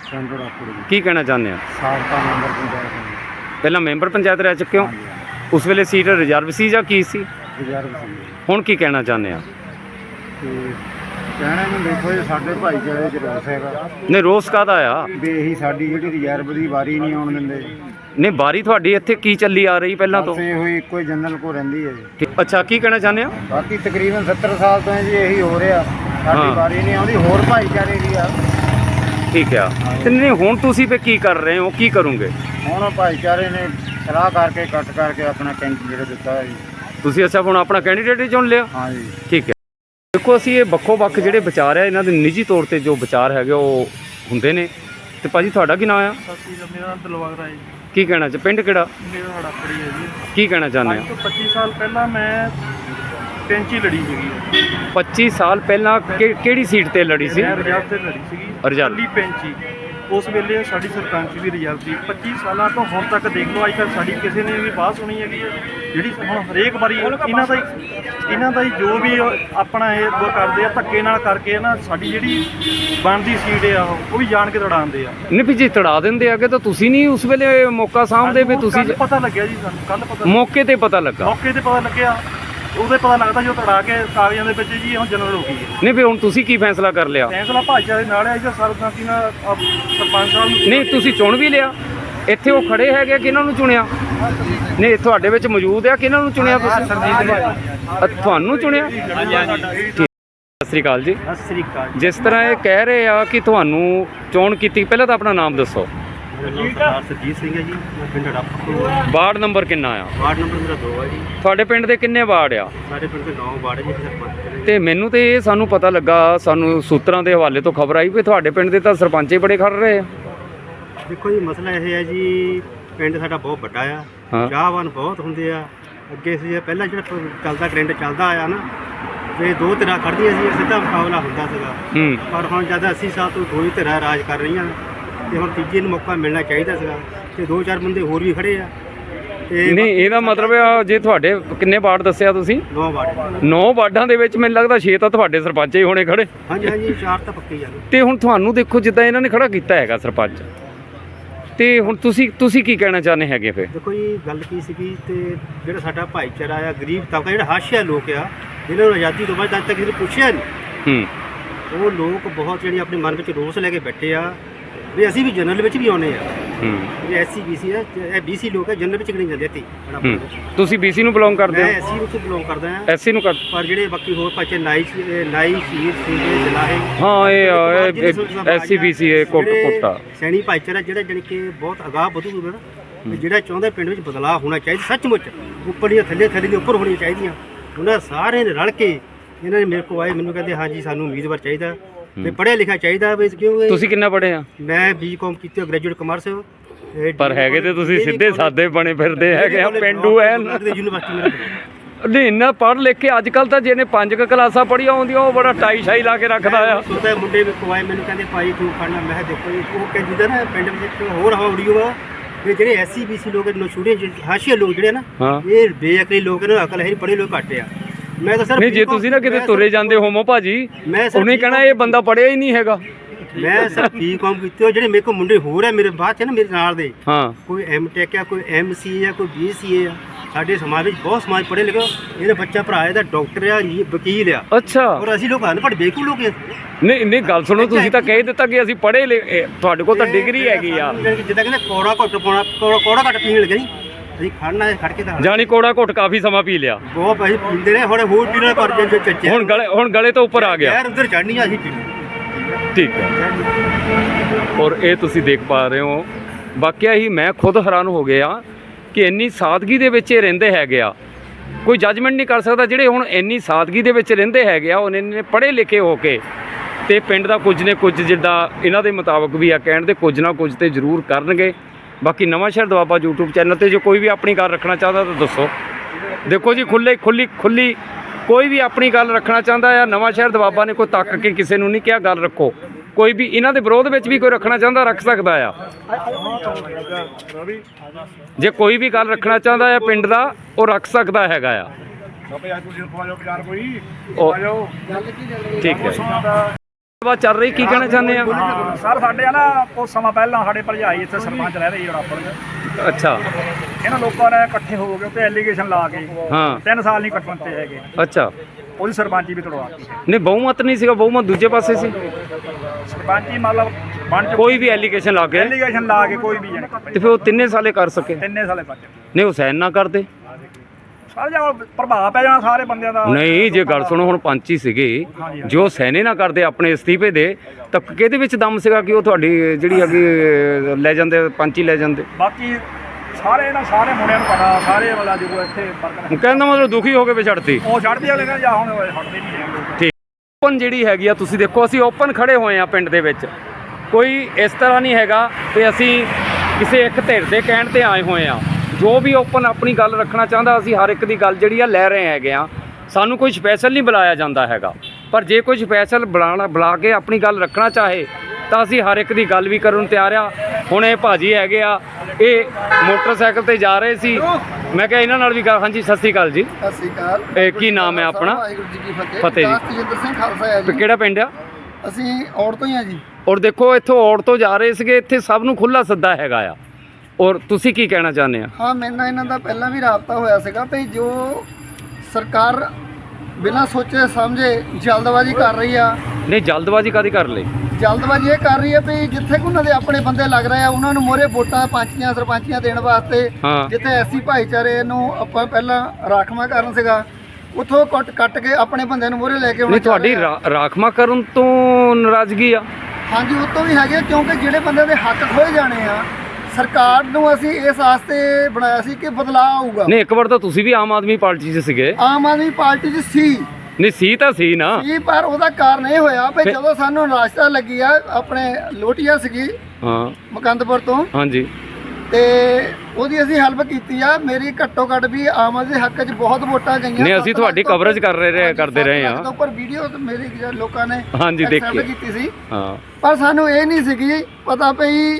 [SPEAKER 1] ਕੀ ਕਹਿਣਾ ਚਾਹੁੰਦੇ ਆ?
[SPEAKER 3] ਸਾਬਕਾ ਮੈਂਬਰ ਪੰਚਾਇਤ।
[SPEAKER 1] ਪਹਿਲਾਂ ਮੈਂਬਰ ਪੰਚਾਇਤ ਰਹਿ ਚੁੱਕੇ ਹੋ? ਉਸ ਵੇਲੇ ਸੀਟ ਰਿਜ਼ਰਵ ਸੀ ਜਾਂ ਕੀ ਸੀ?
[SPEAKER 3] ਰਿਜ਼ਰਵ ਸੀ।
[SPEAKER 1] ਹੁਣ ਕੀ ਕਹਿਣਾ ਚਾਹੁੰਦੇ ਆ?
[SPEAKER 3] ਤੇ ਕਹਿਣਾ ਨੂੰ ਦੇਖੋ, ਇਹ ਸਾਡੇ ਭਾਈਚਾਰੇ 'ਚ ਰੋਸ ਹੈਗਾ।
[SPEAKER 1] ਨਹੀਂ, ਰੋਸ ਕਾਹਦਾ ਆ?
[SPEAKER 3] ਵੀ ਇਹੀ ਸਾਡੀ ਜਿਹੜੀ ਰਿਜ਼ਰਵ ਦੀ ਵਾਰੀ ਨਹੀਂ ਆਉਣ ਦਿੰਦੇ।
[SPEAKER 1] ਨਹੀਂ, ਬਾਰੀ ਤੁਹਾਡੀ ਇੱਥੇ ਕੀ ਚੱਲੀ ਆ ਰਹੀ ਪਹਿਲਾਂ ਤੋਂ?
[SPEAKER 3] ਬਸ ਹੋਈ ਇੱਕੋ ਹੀ ਜਨਰਲ ਕੋ ਰਹਿੰਦੀ ਹੈ ਜੀ।
[SPEAKER 1] ਅੱਛਾ, ਕੀ ਕਹਿਣਾ ਚਾਹੁੰਦੇ ਆ?
[SPEAKER 3] ਬਾਕੀ ਤਕਰੀਬਨ 70 ਸਾਲ ਤੋਂ ਜੀ ਇਹੀ ਹੋ ਰਿਹਾ। ਸਾਡੀ ਵਾਰੀ ਨਹੀਂ ਆਉਂਦੀ, ਹੋਰ ਭਾਈਚਾਰੇ ਦੀ ਆ।
[SPEAKER 1] ਠੀਕ ਆ। ਤੇ ਨਹੀਂ, ਹੁਣ ਤੁਸੀਂ ਫੇ ਕੀ ਕਰ ਰਹੇ ਹੋ, ਕੀ ਕਰੋਗੇ?
[SPEAKER 3] ਹੁਣ ਭਾਈਚਾਰੇ ਨੇ ਸਲਾਹ ਕਰਕੇ ਕੱਟ ਕਰਕੇ ਆਪਣਾ ਕੈਂਡੀਡੇਟ ਦਿੱਤਾ ਹੈ ਜੀ।
[SPEAKER 1] ਤੁਸੀਂ ਅੱਛਾ ਹੁਣ ਆਪਣਾ ਕੈਂਡੀਡੇਟ ਹੀ ਚੁਣ ਲਿਆ?
[SPEAKER 3] ਹਾਂ ਜੀ।
[SPEAKER 1] ਠੀਕ ਹੈ। ਦੇਖੋ, ਅਸੀਂ ਇਹ ਵੱਖੋ ਵੱਖ ਜਿਹੜੇ ਵਿਚਾਰ ਆ, ਇਹਨਾਂ ਦੇ ਨਿੱਜੀ ਤੌਰ ਤੇ ਜੋ ਵਿਚਾਰ ਹੈਗੇ ਉਹ ਹੁੰਦੇ ਨੇ। ਤੇ ਭਾਜੀ ਤੁਹਾਡਾ ਕੀ ਨਾਮ ਆ?
[SPEAKER 3] ਮੇਰਾ ਨਾਮ ਦਿਲਵਾਗ ਰਾਏ ਜੀ।
[SPEAKER 1] ਕੀ ਕਹਿਣਾ ਚਾਹ? ਪਿੰਡ ਕਿਹੜਾ?
[SPEAKER 3] ਮੇਰਾ ਹੜਾਪੜੀ ਹੈ ਜੀ।
[SPEAKER 1] ਕੀ ਕਹਿਣਾ ਚਾਹੁੰਦੇ
[SPEAKER 3] ਅੱਜ
[SPEAKER 1] ਆ?
[SPEAKER 3] ਤੋਂ 25 ਸਾਲ ਪਹਿਲਾਂ ਮੈਂ ਪੈਂਚੀ ਲੜੀ ਸੀਗੀ।
[SPEAKER 1] 25 ਸਾਲ ਪਹਿਲਾਂ ਕਿਹੜੀ ਸੀਟ ਤੇ ਲੜੀ ਸੀ?
[SPEAKER 3] ਮੈਂ ਰਿਜ਼ਰਵ ਤੇ ਲੜੀ ਸੀਗੀ।
[SPEAKER 1] ਰਿਜ਼ਰਵ।
[SPEAKER 3] ਇਕੱਲੀ ਪੈਂਚੀ। ਉਸ ਵੇਲੇ ਸਾਡੀ ਸਰਪੰਚ ਵੀ ਰਿਜ਼ਰਵ ਸੀ। 25 ਸਾਲਾਂ ਤੋਂ ਹੁਣ ਤੱਕ ਦੇਖ ਲਓ, ਅੱਜ ਤੱਕ ਸਾਡੀ ਕਿਸੇ ਨੇ ਵੀ ਬਾਤ ਸੁਣੀ ਹੈਗੀ ਹੈ। ਜਿਹੜੀ ਹੁਣ ਹਰੇਕ ਵਾਰੀ ਇਹਨਾਂ ਦਾ ਹੀ ਜੋ ਵੀ ਆਪਣਾ ਇਹ ਉਹ ਕਰਦੇ ਆ, ਧੱਕੇ ਨਾਲ ਕਰਕੇ ਨਾ ਸਾਡੀ ਜਿਹੜੀ ਬਣਦੀ ਸੀਟ ਆ ਉਹ ਵੀ ਜਾਣ ਕੇ ਤੜਾਉਂਦੇ ਆ।
[SPEAKER 1] ਨਹੀਂ, ਵੀ ਜੇ ਤੜਾ ਦਿੰਦੇ ਆਗੇ ਤਾਂ ਤੁਸੀਂ ਨਹੀਂ ਉਸ ਵੇਲੇ ਮੌਕਾ ਸਾਂਭਦੇ? ਵੀ ਤੁਸੀਂ
[SPEAKER 3] ਕੱਲ੍ਹ ਪਤਾ ਲੱਗਿਆ ਜੀ ਸਾਨੂੰ, ਕੱਲ ਪਤਾ
[SPEAKER 1] ਮੌਕੇ ਤੇ ਪਤਾ ਲੱਗਾ?
[SPEAKER 3] ਮੌਕੇ ਤੇ ਪਤਾ ਲੱਗਿਆ। ਉਹਦੇ ਪਤਾ ਲੱਗਦਾ ਜੋ ਤੜਾ ਕੇ ਕਾਗਜ਼ਾਂ ਦੇ ਵਿੱਚ ਜੀ ਹੁਣ ਜਨਰਲ ਹੋ ਗਈ ਹੈ।
[SPEAKER 1] ਨਹੀਂ, ਵੀ ਹੁਣ ਤੁਸੀਂ ਕੀ ਫੈਸਲਾ ਕਰ ਲਿਆ?
[SPEAKER 3] ਫੈਸਲਾ ਭਾਈਚਾਰੇ ਨਾਲ ਹੈ ਜੀ। ਸਰਪੰਚ ਨਾਲ ਸਰਪੰਚ ਸਾਹਿਬ ਨੂੰ
[SPEAKER 1] ਨਹੀਂ, ਤੁਸੀਂ ਚੁਣ ਵੀ ਲਿਆ? ਇੱਥੇ ਉਹ ਖੜੇ ਹੈਗੇ, ਕਿਹਨਾਂ ਨੂੰ ਚੁਣਿਆ? ਨਹੀਂ, ਤੁਹਾਡੇ ਵਿੱਚ ਮੌਜੂਦ ਆ, ਕਿਹਨਾਂ ਨੂੰ ਚੁਣਿਆ ਤੁਸੀਂ? ਤੁਹਾਨੂੰ ਚੁਣਿਆ? ਸਤਿ ਸ੍ਰੀ ਅਕਾਲ ਜੀ।
[SPEAKER 3] ਸਤਿ ਸ੍ਰੀ ਅਕਾਲ।
[SPEAKER 1] ਜਿਸ ਤਰ੍ਹਾਂ ਇਹ ਕਹਿ ਰਹੇ ਆ ਕਿ ਤੁਹਾਨੂੰ ਚੋਣ ਕੀਤੀ, ਪਹਿਲਾਂ ਤਾਂ ਆਪਣਾ ਨਾਮ ਦੱਸੋ।
[SPEAKER 3] ਸਰਦਾਰ ਸਰਜੀਤ ਸਿੰਘ ਹੈ ਜੀ। ਮੈਂ ਪਿੰਡ ਹੜਾਪੜੀ।
[SPEAKER 1] ਵਾਰਡ ਨੰਬਰ ਕਿੰਨਾ ਆ?
[SPEAKER 3] ਵਾਰਡ ਨੰਬਰ ਮੇਰਾ 2 ਹੈ ਜੀ।
[SPEAKER 1] ਤੁਹਾਡੇ ਪਿੰਡ ਦੇ ਕਿੰਨੇ ਵਾਰਡ ਆ?
[SPEAKER 3] ਸਾਡੇ ਪਿੰਡ ਦੇ 9 ਵਾਰਡ ਹੈ ਜੀ। ਸਰਪੰਚ
[SPEAKER 1] ਤੇ ਮੈਨੂੰ ਤੇ ਇਹ ਸਾਨੂੰ ਪਤਾ ਲੱਗਾ, ਸਾਨੂੰ ਸੂਤਰਾਂ ਦੇ ਹਵਾਲੇ ਤੋਂ ਖਬਰ ਆਈ ਵੀ ਤੁਹਾਡੇ ਪਿੰਡ ਦੇ ਤਾਂ ਸਰਪੰਚ ਹੀ ਬੜੇ ਖੜ ਰਹੇ ਆ।
[SPEAKER 5] ਦੇਖੋ ਜੀ, ਮਸਲਾ ਇਹ ਹੈ ਜੀ, ਪਿੰਡ ਸਾਡਾ ਬਹੁਤ ਵੱਡਾ ਆ।
[SPEAKER 1] ਹਾਂ।
[SPEAKER 5] ਚਾਹਵਾਨ ਬਹੁਤ ਹੁੰਦੇ ਆ। ਅੱਗੇ ਸੀ ਪਹਿਲਾਂ ਜਿਹੜਾ ਚੱਲਦਾ ਟ੍ਰੈਂਡ ਚੱਲਦਾ ਆਇਆ ਨਾ, ਤੇ 2 ਧਿਰਾਂ ਖੜ੍ਹਦੀਆਂ ਸੀ, ਸਿੱਧਾ ਮੁਕਾਬਲਾ ਹੁੰਦਾ ਸੀਗਾ।
[SPEAKER 1] ਹੂੰ।
[SPEAKER 5] ਪਰ ਹੁਣ ਜਦ 80 ਸਾਲ ਤੋਂ 2 ਹੀ ਧਿਰਾਂ ਰਾਜ ਕਰ ਰਹੀਆਂ ਤੇ ਹੁਣ ਤੀਜੇ ਨੂੰ ਮੌਕਾ ਮਿਲਣਾ ਚਾਹੀਦਾ ਸੀਗਾ। ਤੇ 2-4 ਬੰਦੇ ਹੋਰ ਵੀ ਖੜੇ ਆ। ਤੇ
[SPEAKER 1] ਨਹੀਂ, ਇਹਦਾ ਮਤਲਬ ਆ ਜੇ ਤੁਹਾਡੇ ਕਿੰਨੇ ਵਾਰਡ ਦੱਸਿਆ ਤੁਸੀਂ?
[SPEAKER 5] 9 ਵਾਰਡ।
[SPEAKER 1] 9 ਵਾਰਡਾਂ ਦੇ ਵਿੱਚ ਮੈਨੂੰ ਲੱਗਦਾ 6 ਤਾਂ ਤੁਹਾਡੇ ਸਰਪੰਚ ਹੀ ਹੋਣੇ ਖੜੇ।
[SPEAKER 5] ਹਾਂਜੀ ਹਾਂਜੀ, 4 ਤਾਂ ਪੱਕੇ ਆ।
[SPEAKER 1] ਤੇ ਹੁਣ ਤੁਹਾਨੂੰ ਦੇਖੋ, ਜਿੱਦਾਂ ਇਹਨਾਂ ਨੇ ਖੜਾ ਕੀਤਾ ਹੈਗਾ ਸਰਪੰਚ, ਤੇ ਹੁਣ ਤੁਸੀਂ ਕੀ ਕਹਿਣਾ ਚਾਹੁੰਦੇ ਹੈਗੇ ਫਿਰ?
[SPEAKER 5] ਦੇਖੋ ਜੀ, ਗੱਲ ਕੀ ਸੀਗੀ, ਤੇ ਜਿਹੜਾ ਸਾਡਾ ਭਾਈਚਾਰਾ ਆ, ਗਰੀਬ ਤਬਕਾ, ਜਿਹੜਾ ਹਾਸ਼ੀਆ ਲੋਕ ਆ, ਜਿਹਨਾਂ ਨੂੰ ਆਜ਼ਾਦੀ ਤੋਂ ਬਾਅਦ ਅੱਜ ਤੱਕ ਕਿਸੇ ਨੇ ਪੁੱਛਿਆ ਨਹੀਂ, ਉਹ ਲੋਕ ਬਹੁਤ ਜਿਹੜੀ ਆਪਣੇ ਮਨ ਵਿੱਚ ਰੋਸ ਲੈ ਕੇ ਬੈਠੇ ਆ ਵੀ ਅਸੀਂ ਵੀ ਜਨਰਲ ਵਿੱਚ ਵੀ ਆਉਨੇ ਆ। ਜਿਹੜੇ ਐਸਸੀ ਬੀਸੀ ਆ, ਇਹ ਬੀਸੀ ਲੋਕ ਆ, ਜਨਰਲ ਵਿੱਚ ਨਹੀਂ ਜਾਂਦੇ ਇੱਥੇ।
[SPEAKER 1] ਤੁਸੀਂ ਬੀਸੀ ਨੂੰ ਬਿਲੋਂਗ ਕਰਦੇ
[SPEAKER 5] ਮੈਂ
[SPEAKER 1] ਹੋ?
[SPEAKER 5] ਐਸਸੀ ਵਿੱਚ ਬਿਲੋਂਗ ਕਰਦਾ ਆ।
[SPEAKER 1] ਐਸਸੀ ਨੂੰ ਕਰ?
[SPEAKER 5] ਪਰ ਜਿਹੜੇ ਬਾਕੀ ਹੋਰ ਪਾਚੇ ਨਾਈ ਸ਼ੀਰ ਸੀਗੇ ਜਲਾਹੇ,
[SPEAKER 1] ਹਾਂ, ਇਹ ਐਸਸੀ ਬੀਸੀ ਇਹ ਕੋਟਾ
[SPEAKER 5] ਸੈਣੀ ਭਾਈਚਾਰਾ ਜਿਹੜਾ ਜਾਣੀ ਕਿ ਬਹੁਤ ਅਗਾਹ ਵਧੂ ਨਾ, ਤੇ ਜਿਹੜਾ ਚਾਹੁੰਦਾ ਪਿੰਡ ਵਿੱਚ ਬਦਲਾਅ ਹੋਣਾ ਚਾਹੀਦਾ, ਸੱਚਮੁੱਚ ਉੱਪਰਲੀਆਂ ਥੱਲੇ ਦੀਆਂ ਉੱਪਰ ਹੋਣੀਆਂ ਚਾਹੀਦੀਆਂ। ਉਹਨਾਂ ਸਾਰਿਆਂ ਨੇ ਰਲ ਕੇ ਇਹਨਾਂ ਨੇ ਮੇਰੇ ਕੋਲ ਆਏ, ਮੈਨੂੰ ਕਹਿੰਦੇ ਹਾਂਜੀ ਸਾਨੂੰ ਉਮੀਦਵਾਰ ਚਾਹੀਦਾ ਤੇ ਪੜ੍ਹਿਆ ਲਿਖਿਆ ਚਾਹੀਦਾ। ਵੀ ਕਿਉਂ?
[SPEAKER 1] ਤੁਸੀਂ ਕਿੰਨਾ ਪੜ੍ਹੇ ਆ?
[SPEAKER 5] ਮੈਂ BCom ਕੀਤੀ, ਗ੍ਰੈਜੂਏਟ ਕਮਰਸ।
[SPEAKER 1] ਪਰ ਹੈਗੇ ਤੇ ਤੁਸੀਂ ਸਿੱਧੇ ਸਾਦੇ ਬਣੇ ਫਿਰਦੇ ਹੈਗੇ ਆ, ਪਿੰਡੂ ਐ।
[SPEAKER 5] ਯੂਨੀਵਰਸਿਟੀ ਮੇਰਾ
[SPEAKER 1] ਨਹੀਂ, ਇੰਨਾ ਪੜ੍ਹ ਲਿਖ ਕੇ ਅੱਜ ਕੱਲ੍ਹ ਤਾਂ ਜਿਹਨੇ 5 ਕਲਾਸਾਂ ਪੜ੍ਹੀਆਂ ਹੁੰਦੀਆਂ ਉਹ ਬੜਾ ਟਾਈ ਸ਼ਾਈ ਲਾ ਕੇ ਰੱਖਦਾ ਆ।
[SPEAKER 5] ਸੁਣਦਾ ਮੁੰਡੇ ਮੇਰੇ ਕੋਲ ਆਏ, ਮੈਨੂੰ ਕਹਿੰਦੇ ਭਾਈ ਤੂੰ ਪੜ੍ਹਨਾ। ਮੈਂ ਕਿਹਾ ਦੇਖੋ ਜੀ, ਉਹ ਕਹਿੰਦੇ ਨਾ ਪਿੰਡ ਵਿੱਚ ਇੱਕ ਹੋਰ ਵੀਡੀਓ ਆ ਵੀ ਜਿਹੜੇ SC BC ਲੋਕ ਨਸ਼ੂੜੇ ਹਾਸ਼ੀਆ ਲੋਕ ਜਿਹੜੇ ਨਾ, ਇਹ ਬੇਅਕਲੀ ਲੋਕ ਨੇ, ਅਕਲ ਹੈ, ਪੜ੍ਹੇ ਲੋਕ ਘੱਟ ਆ। ਮੈਂ ਤਾਂ ਸਿਰਫ
[SPEAKER 6] ਨਹੀਂ ਜੇ ਤੁਸੀਂ ਨਾ ਕਿਤੇ ਤੁਰੇ ਜਾਂਦੇ ਹੋਮੋ ਭਾਜੀ
[SPEAKER 5] ਮੈਂ ਸਿਰਫ
[SPEAKER 6] ਉਹਨੇ ਕਹਿਣਾ ਇਹ ਬੰਦਾ ਪੜਿਆ ਹੀ ਨਹੀਂ ਹੈਗਾ।
[SPEAKER 5] ਮੈਂ ਸਿਰਫ B.Com ਕੀਤੀ ਹੋਈ, ਜਿਹੜੇ ਮੇਰੇ ਕੋਲ ਮੁੰਡੇ ਹੋਰ ਹੈ ਮੇਰੇ ਬਾਅਦ ਚ ਨਾ ਮੇਰੇ ਨਾਲ ਦੇ,
[SPEAKER 6] ਹਾਂ
[SPEAKER 5] ਕੋਈ M.Tech ਆ, ਕੋਈ M.C.A ਆ, ਕੋਈ B.C.A ਆ। ਸਾਡੇ ਸਮਾਜ ਵਿੱਚ ਬਹੁਤ ਸਮਾਜ ਪੜ੍ਹੇ ਲਿਖੇ, ਇਹਦਾ ਬੱਚਾ ਭਰਾ ਇਹਦਾ ਡਾਕਟਰ ਆ, ਵਕੀਲ ਆ,
[SPEAKER 6] ਅੱਛਾ।
[SPEAKER 5] ਔਰ ਅਸੀਂ ਲੋਕ ਅਨਪੜ੍ਹ ਬੇਕੂ ਲੋਕ ਆ।
[SPEAKER 6] ਨਹੀਂ ਗੱਲ ਸੁਣੋ, ਤੁਸੀਂ ਤਾਂ ਕਹਿ ਦਿੱਤਾ ਕਿ ਅਸੀਂ ਪੜ੍ਹੇ ਤੁਹਾਡੇ ਕੋਲ ਤਾਂ ਡਿਗਰੀ ਹੈਗੀ ਆ।
[SPEAKER 5] ਜਿੱਦਾਂ ਕਹਿੰਦੇ ਕੋੜਾ ਘੁੱਟ ਪਾਉਣਾ, ਕੋੜਾ ਘੱਟ ਪੀਣ ਲੱਗੇ ਨਹੀਂ ਅਸੀਂ ਖੜਨਾ ਖੜ ਕੇ ਤਾਂ
[SPEAKER 6] ਜਾਣੀ ਕੋੜਾ ਘੁੱਟ ਕਾਫੀ ਸਮਾਂ ਪੀ ਲਿਆ।
[SPEAKER 5] ਬਹੁਤ ਅਸੀਂ ਪੀਂਦੇ ਨੇ, ਹੁਣ ਹੋਰ ਪੀਣਾ ਕਰ ਜਾਂਦੇ ਚੱਚੇ।
[SPEAKER 6] ਹੁਣ ਗਲੇ ਤੋਂ ਉੱਪਰ ਆ ਗਿਆ।
[SPEAKER 5] ਯਾਰ ਉਧਰ ਚੜਨੀ ਆ ਅਸੀਂ ਪੀਣੀ।
[SPEAKER 6] ਠੀਕ ਹੈ। ਔਰ ਇਹ ਤੁਸੀਂ ਦੇਖ ਪਾ ਰਹੇ ਹੋ, ਵਾਕਿਆ ਹੀ ਮੈਂ ਖੁਦ ਹੈਰਾਨ ਹੋ ਗਿਆ ਕਿ ਇੰਨੀ ਸਾਦਗੀ ਦੇ ਵਿੱਚ ਇਹ ਰਹਿੰਦੇ ਹੈਗੇ ਆ। ਕੋਈ ਜੱਜਮੈਂਟ ਨਹੀਂ ਕਰ ਸਕਦਾ ਜਿਹੜੇ ਹੁਣ ਇੰਨੀ ਸਾਦਗੀ ਦੇ ਵਿੱਚ ਰਹਿੰਦੇ ਹੈਗੇ ਆ, ਉਹਨੇ ਨੇ ਪੜ੍ਹੇ ਲਿਖੇ ਹੋ ਕੇ ਤੇ ਪਿੰਡ ਦਾ ਕੁਝ ਨੇ ਕੁਝ ਜਿੱਦਾਂ ਇਹਨਾਂ ਦੇ ਮੁਤਾਬਕ ਵੀ ਆ ਕਹਿਣ ਦੇ ਕੁਝ ਨਾ ਕੁਝ ਤੇ ਜ਼ਰੂਰ ਕਰਨਗੇ। ਬਾਕੀ ਨਵਾਂ ਸ਼ਹਿਰ ਦੁਆਬਾ YouTube ਚੈਨਲ ਤੇ ਜੇ ਕੋਈ ਵੀ ਆਪਣੀ ਗੱਲ ਰੱਖਣਾ ਚਾਹੁੰਦਾ ਤਾਂ ਦੱਸੋ। ਦੇਖੋ ਜੀ ਖੁੱਲੀ ਕੋਈ ਵੀ ਆਪਣੀ ਗੱਲ ਰੱਖਣਾ ਚਾਹੁੰਦਾ ਆ। ਨਵਾਂ ਸ਼ਹਿਰ ਦੁਆਬਾ ਨੇ ਕੋਈ ਤੱਕ ਕੇ ਕਿਸੇ ਨੂੰ ਨਹੀਂ ਕਿਹਾ ਗੱਲ ਰੱਖੋ। ਕੋਈ ਵੀ ਇਹਨਾਂ ਦੇ ਵਿਰੋਧ ਵਿੱਚ ਵੀ ਕੋਈ ਰੱਖਣਾ ਚਾਹੁੰਦਾ ਰੱਖ ਸਕਦਾ ਆ। ਜੇ ਕੋਈ ਵੀ ਗੱਲ ਰੱਖਣਾ ਚਾਹੁੰਦਾ ਆ ਪਿੰਡ ਦਾ ਉਹ ਰੱਖ ਸਕਦਾ ਹੈਗਾ ਆ। ਠੀਕ ਹੈ ਬਾਤ ਚੱਲ ਰਹੀ, ਕੀ ਕਹਿਣਾ ਚਾਹੁੰਦੇ ਆ?
[SPEAKER 3] ਸਰ ਸਾਡੇ ਆ ਨਾ ਕੁਝ ਸਮਾਂ ਪਹਿਲਾਂ ਸਾਡੇ ਭਰਜਾਈ ਇੱਥੇ ਸਰਪੰਚ ਰਹਿ ਰਹੀ ਰਾਪਰ ਦੇ।
[SPEAKER 6] ਅੱਛਾ।
[SPEAKER 3] ਇਹਨਾਂ ਲੋਕਾਂ ਨੇ ਇਕੱਠੇ ਹੋ ਕੇ ਉੱਤੇ ਐਲੀਗੇਸ਼ਨ ਲਾ ਕੇ
[SPEAKER 6] ਹਾਂ
[SPEAKER 3] 3 ਸਾਲ ਨਹੀਂ ਕੱਟਣ ਤੇ ਹੈਗੇ।
[SPEAKER 6] ਅੱਛਾ।
[SPEAKER 3] ਉਹਦੀ ਸਰਪੰਚੀ ਵੀ ਤੜਵਾਤੀ।
[SPEAKER 6] ਨਹੀਂ ਬਹੁਮਤ ਨਹੀਂ ਸੀਗਾ, ਬਹੁਮਤ ਦੂਜੇ ਪਾਸੇ ਸੀ।
[SPEAKER 3] ਸਰਪੰਚੀ ਮਤਲਬ ਬਣ ਚੁੱਕੀ,
[SPEAKER 6] ਕੋਈ ਵੀ ਐਲੀਗੇਸ਼ਨ ਲਾ ਕੇ
[SPEAKER 3] ਕੋਈ ਵੀ ਜਾਣੀ
[SPEAKER 6] ਤੇ ਫਿਰ ਉਹ 3 ਸਾਲੇ ਕਰ ਸਕੇ।
[SPEAKER 3] 3 ਸਾਲੇ ਕੱਟ
[SPEAKER 6] ਨਹੀਂ ਉਹ ਸਾਈਨ ਨਾ ਕਰਦੇ।
[SPEAKER 3] ਸਰ ਜੇ ਪ੍ਰਭਾਵ ਪੈ ਜਾਣਾ ਸਾਰੇ ਬੰਦਿਆਂ ਦਾ।
[SPEAKER 6] ਨਹੀਂ ਜੇ ਗੱਲ ਸੁਣੋ, ਹੁਣ ਪੰਚ ਹੀ ਸੀਗੇ ਜੋ ਸੈਨੇ ਨਾ ਕਰਦੇ ਆਪਣੇ ਅਸਤੀਫੇ ਦੇ, ਤਾਂ ਕਿਹਦੇ ਵਿੱਚ ਦਮ ਸੀਗਾ ਕਿ ਉਹ ਤੁਹਾਡੀ ਜਿਹੜੀ ਹੈਗੀ ਲੈ ਜਾਂਦੇ, ਪੰਚ ਹੀ ਲੈ ਜਾਂਦੇ।
[SPEAKER 3] ਬਾਕੀ ਸਾਰੇ ਮੁੰਡਿਆਂ ਨੂੰ ਪਤਾ, ਸਾਰੇ ਵਾਲਾ ਜੋ ਇੱਥੇ
[SPEAKER 6] ਕਹਿਣ ਦਾ ਮਤਲਬ ਦੁਖੀ ਹੋ ਕੇ ਛੱਡਤੀ।
[SPEAKER 3] ਉਹ ਛੱਡਦੇ ਵਾਲੇ ਨੇ ਜਾਂ ਹੁਣ ਹਟਦੇ ਨਹੀਂ ਹੈਗੇ।
[SPEAKER 6] ਠੀਕ। ਓਪਨ ਜਿਹੜੀ ਹੈਗੀ ਆ, ਤੁਸੀਂ ਦੇਖੋ ਅਸੀਂ ਓਪਨ ਖੜੇ ਹੋਏ ਆ ਪਿੰਡ ਦੇ ਵਿੱਚ। ਕੋਈ ਇਸ ਤਰ੍ਹਾਂ ਨਹੀਂ ਹੈਗਾ ਕਿ ਅਸੀਂ ਕਿਸੇ ਇੱਕ ਧਿਰ ਦੇ ਕਹਿਣ ਤੇ ਆਏ ਹੋਏ ਆ। ਜੋ ਵੀ ਓਪਨ ਆਪਣੀ ਗੱਲ ਰੱਖਣਾ ਚਾਹੁੰਦਾ, ਅਸੀਂ ਹਰ ਇੱਕ ਦੀ ਗੱਲ ਜਿਹੜੀ ਆ ਲੈ ਰਹੇ ਹੈਗੇ ਆ। ਸਾਨੂੰ ਕੋਈ ਸਪੈਸ਼ਲ ਨਹੀਂ ਬੁਲਾਇਆ ਜਾਂਦਾ ਹੈਗਾ, ਪਰ ਜੇ ਕੋਈ ਸਪੈਸ਼ਲ ਬੁਲਾ ਕੇ ਆਪਣੀ ਗੱਲ ਰੱਖਣਾ ਚਾਹੇ ਤਾਂ ਅਸੀਂ ਹਰ ਇੱਕ ਦੀ ਗੱਲ ਵੀ ਕਰਨ ਨੂੰ ਤਿਆਰ ਆ। ਹੁਣ ਇਹ ਭਾਜੀ ਹੈਗੇ ਆ, ਇਹ ਮੋਟਰਸਾਈਕਲ ਤੇ ਜਾ ਰਹੇ ਸੀ। ਮੈਂ ਕਿਹਾ ਇਹਨਾਂ ਨਾਲ ਵੀ ਗੱਲ। ਹਾਂਜੀ ਸਤਿ ਸ਼੍ਰੀ ਅਕਾਲ ਜੀ।
[SPEAKER 4] ਸਤਿ ਸ਼੍ਰੀ ਅਕਾਲ।
[SPEAKER 6] ਇਹ ਕੀ ਨਾਮ ਹੈ ਆਪਣਾ?
[SPEAKER 4] ਵਾਹਿਗੁਰੂ ਜੀ ਕੀ
[SPEAKER 6] ਫਤਿਹ ਜੀ।
[SPEAKER 4] ਤੇਜਿੰਦਰ ਸਿੰਘ ਖਾਲਸਾ ਹੈ
[SPEAKER 6] ਤੇ
[SPEAKER 4] ਜੀ।
[SPEAKER 6] ਕਿਹੜਾ ਪਿੰਡ ਆ?
[SPEAKER 4] ਅਸੀਂ ਔੜ ਤੋਂ ਹੀ ਆ ਜੀ।
[SPEAKER 6] ਔਰ ਦੇਖੋ ਇੱਥੋਂ ਔੜ ਤੋਂ ਜਾ ਰਹੇ ਸੀਗੇ, ਇੱਥੇ ਸਭ ਨੂੰ ਖੁੱਲ੍ਹਾ ਸੱਦਾ ਹੈਗਾ ਆ। ਔਰ ਤੁਸੀਂ ਕੀ ਕਹਿਣਾ ਚਾਹੁੰਦੇ ਆ?
[SPEAKER 4] ਹਾਂ, ਮੇਰੇ ਨਾਲ ਇਹਨਾਂ ਦਾ ਪਹਿਲਾਂ ਵੀ ਰਾਬਤਾ ਹੋਇਆ ਸੀਗਾ ਵੀ ਜੋ ਸਰਕਾਰ ਬਿਨਾਂ ਸੋਚੇ ਸਮਝੇ ਜਲਦਬਾਜ਼ੀ ਕਰ ਰਹੀ ਆ।
[SPEAKER 6] ਨਹੀਂ ਜਲਦਬਾਜ਼ੀ ਕਾਹਦੀ ਕਰ ਲਈ?
[SPEAKER 4] ਜਲਦਬਾਜ਼ੀ ਇਹ ਕਰ ਰਹੀ ਹੈ ਵੀ ਜਿੱਥੇ ਉਹਨਾਂ ਦੇ ਆਪਣੇ ਬੰਦੇ ਲੱਗ ਰਹੇ ਆ ਉਹਨਾਂ ਨੂੰ ਮੋਹਰੇ ਵੋਟਾਂ ਪੰਚੀਆਂ ਸਰਪੰਚੀਆਂ ਦੇਣ ਵਾਸਤੇ।
[SPEAKER 6] ਹਾਂ।
[SPEAKER 4] ਜਿੱਥੇ ਐਸੀ ਭਾਈਚਾਰੇ ਨੂੰ ਆਪਾਂ ਪਹਿਲਾਂ ਰਾਖਵਾਂ ਕਰਨ ਸੀਗਾ, ਉੱਥੋਂ ਕੱਟ ਕੇ ਆਪਣੇ ਬੰਦੇ ਨੂੰ ਮੋਹਰੇ ਲੈ ਕੇ ਆਉਣਾ।
[SPEAKER 6] ਨਹੀਂ ਤੁਹਾਡੀ ਰਾਖਵਾਂ ਕਰਨ ਤੋਂ ਨਾਰਾਜ਼ਗੀ ਆ?
[SPEAKER 4] ਹਾਂਜੀ, ਉਹ ਤੋਂ ਵੀ ਹੈਗੇ, ਕਿਉਂਕਿ ਜਿਹੜੇ ਬੰਦੇ ਦੇ ਹੱਕ ਖੋਏ ਜਾਣੇ ਆ, ਸਰਕਾਰ ਨੂੰ ਅਸੀਂ ਇਸ ਵਾਸਤੇ ਬਣਾਇਆ ਸੀ ਕਿ ਬਦਲਾਅ ਆਊਗਾ।
[SPEAKER 6] ਨਹੀਂ ਇੱਕ ਵਾਰ ਤਾਂ ਤੁਸੀਂ ਵੀ ਆਮ ਆਦਮੀ ਪਾਰਟੀ 'ਚ ਸੀਗੇ।
[SPEAKER 4] ਆਮ ਆਦਮੀ ਪਾਰਟੀ 'ਚ ਸੀ
[SPEAKER 6] ਨਹੀਂ ਸੀ ਤਾਂ ਸੀ ਨਾ।
[SPEAKER 4] ਸੀ, ਪਰ ਉਹਦਾ ਕਾਰਨ ਇਹ ਹੋਇਆ ਵੀ ਜਦੋਂ ਸਾਨੂੰ ਨਿਰਾਸ਼ਤਾ ਲੱਗੀ ਆ, ਆਪਣੇ ਲੋਟੀਆਂ ਸੀਗੀ
[SPEAKER 6] ਹਾਂ
[SPEAKER 4] ਮੁਕੰਦਪੁਰ ਤੋਂ,
[SPEAKER 6] ਹਾਂਜੀ,
[SPEAKER 4] ਤੇ ਉਹਦੀ ਅਸੀਂ ਹੈਲਪ ਕੀਤੀ ਆ। ਮੇਰੀ ਘੱਟੋ ਘੱਟ ਵੀ ਆਮ ਆਦਮੀ ਦੇ ਹੱਕ 'ਚ ਬਹੁਤ ਵੋਟਾਂ ਗਈਆਂ।
[SPEAKER 6] ਨਹੀਂ ਅਸੀਂ ਤੁਹਾਡੀ ਕਵਰੇਜ ਕਰਦੇ ਰਹੇ ਆ।
[SPEAKER 4] ਉੱਪਰ ਵੀਡੀਓ ਮੇਰੀ ਲੋਕਾਂ ਨੇ
[SPEAKER 6] ਹਾਂਜੀ ਦੇਖੀ
[SPEAKER 4] ਕੀਤੀ ਸੀ।
[SPEAKER 6] ਹਾਂ,
[SPEAKER 4] ਪਰ ਸਾਨੂੰ ਇਹ ਨਹੀਂ ਸੀਗੀ ਪਤਾ ਪਈ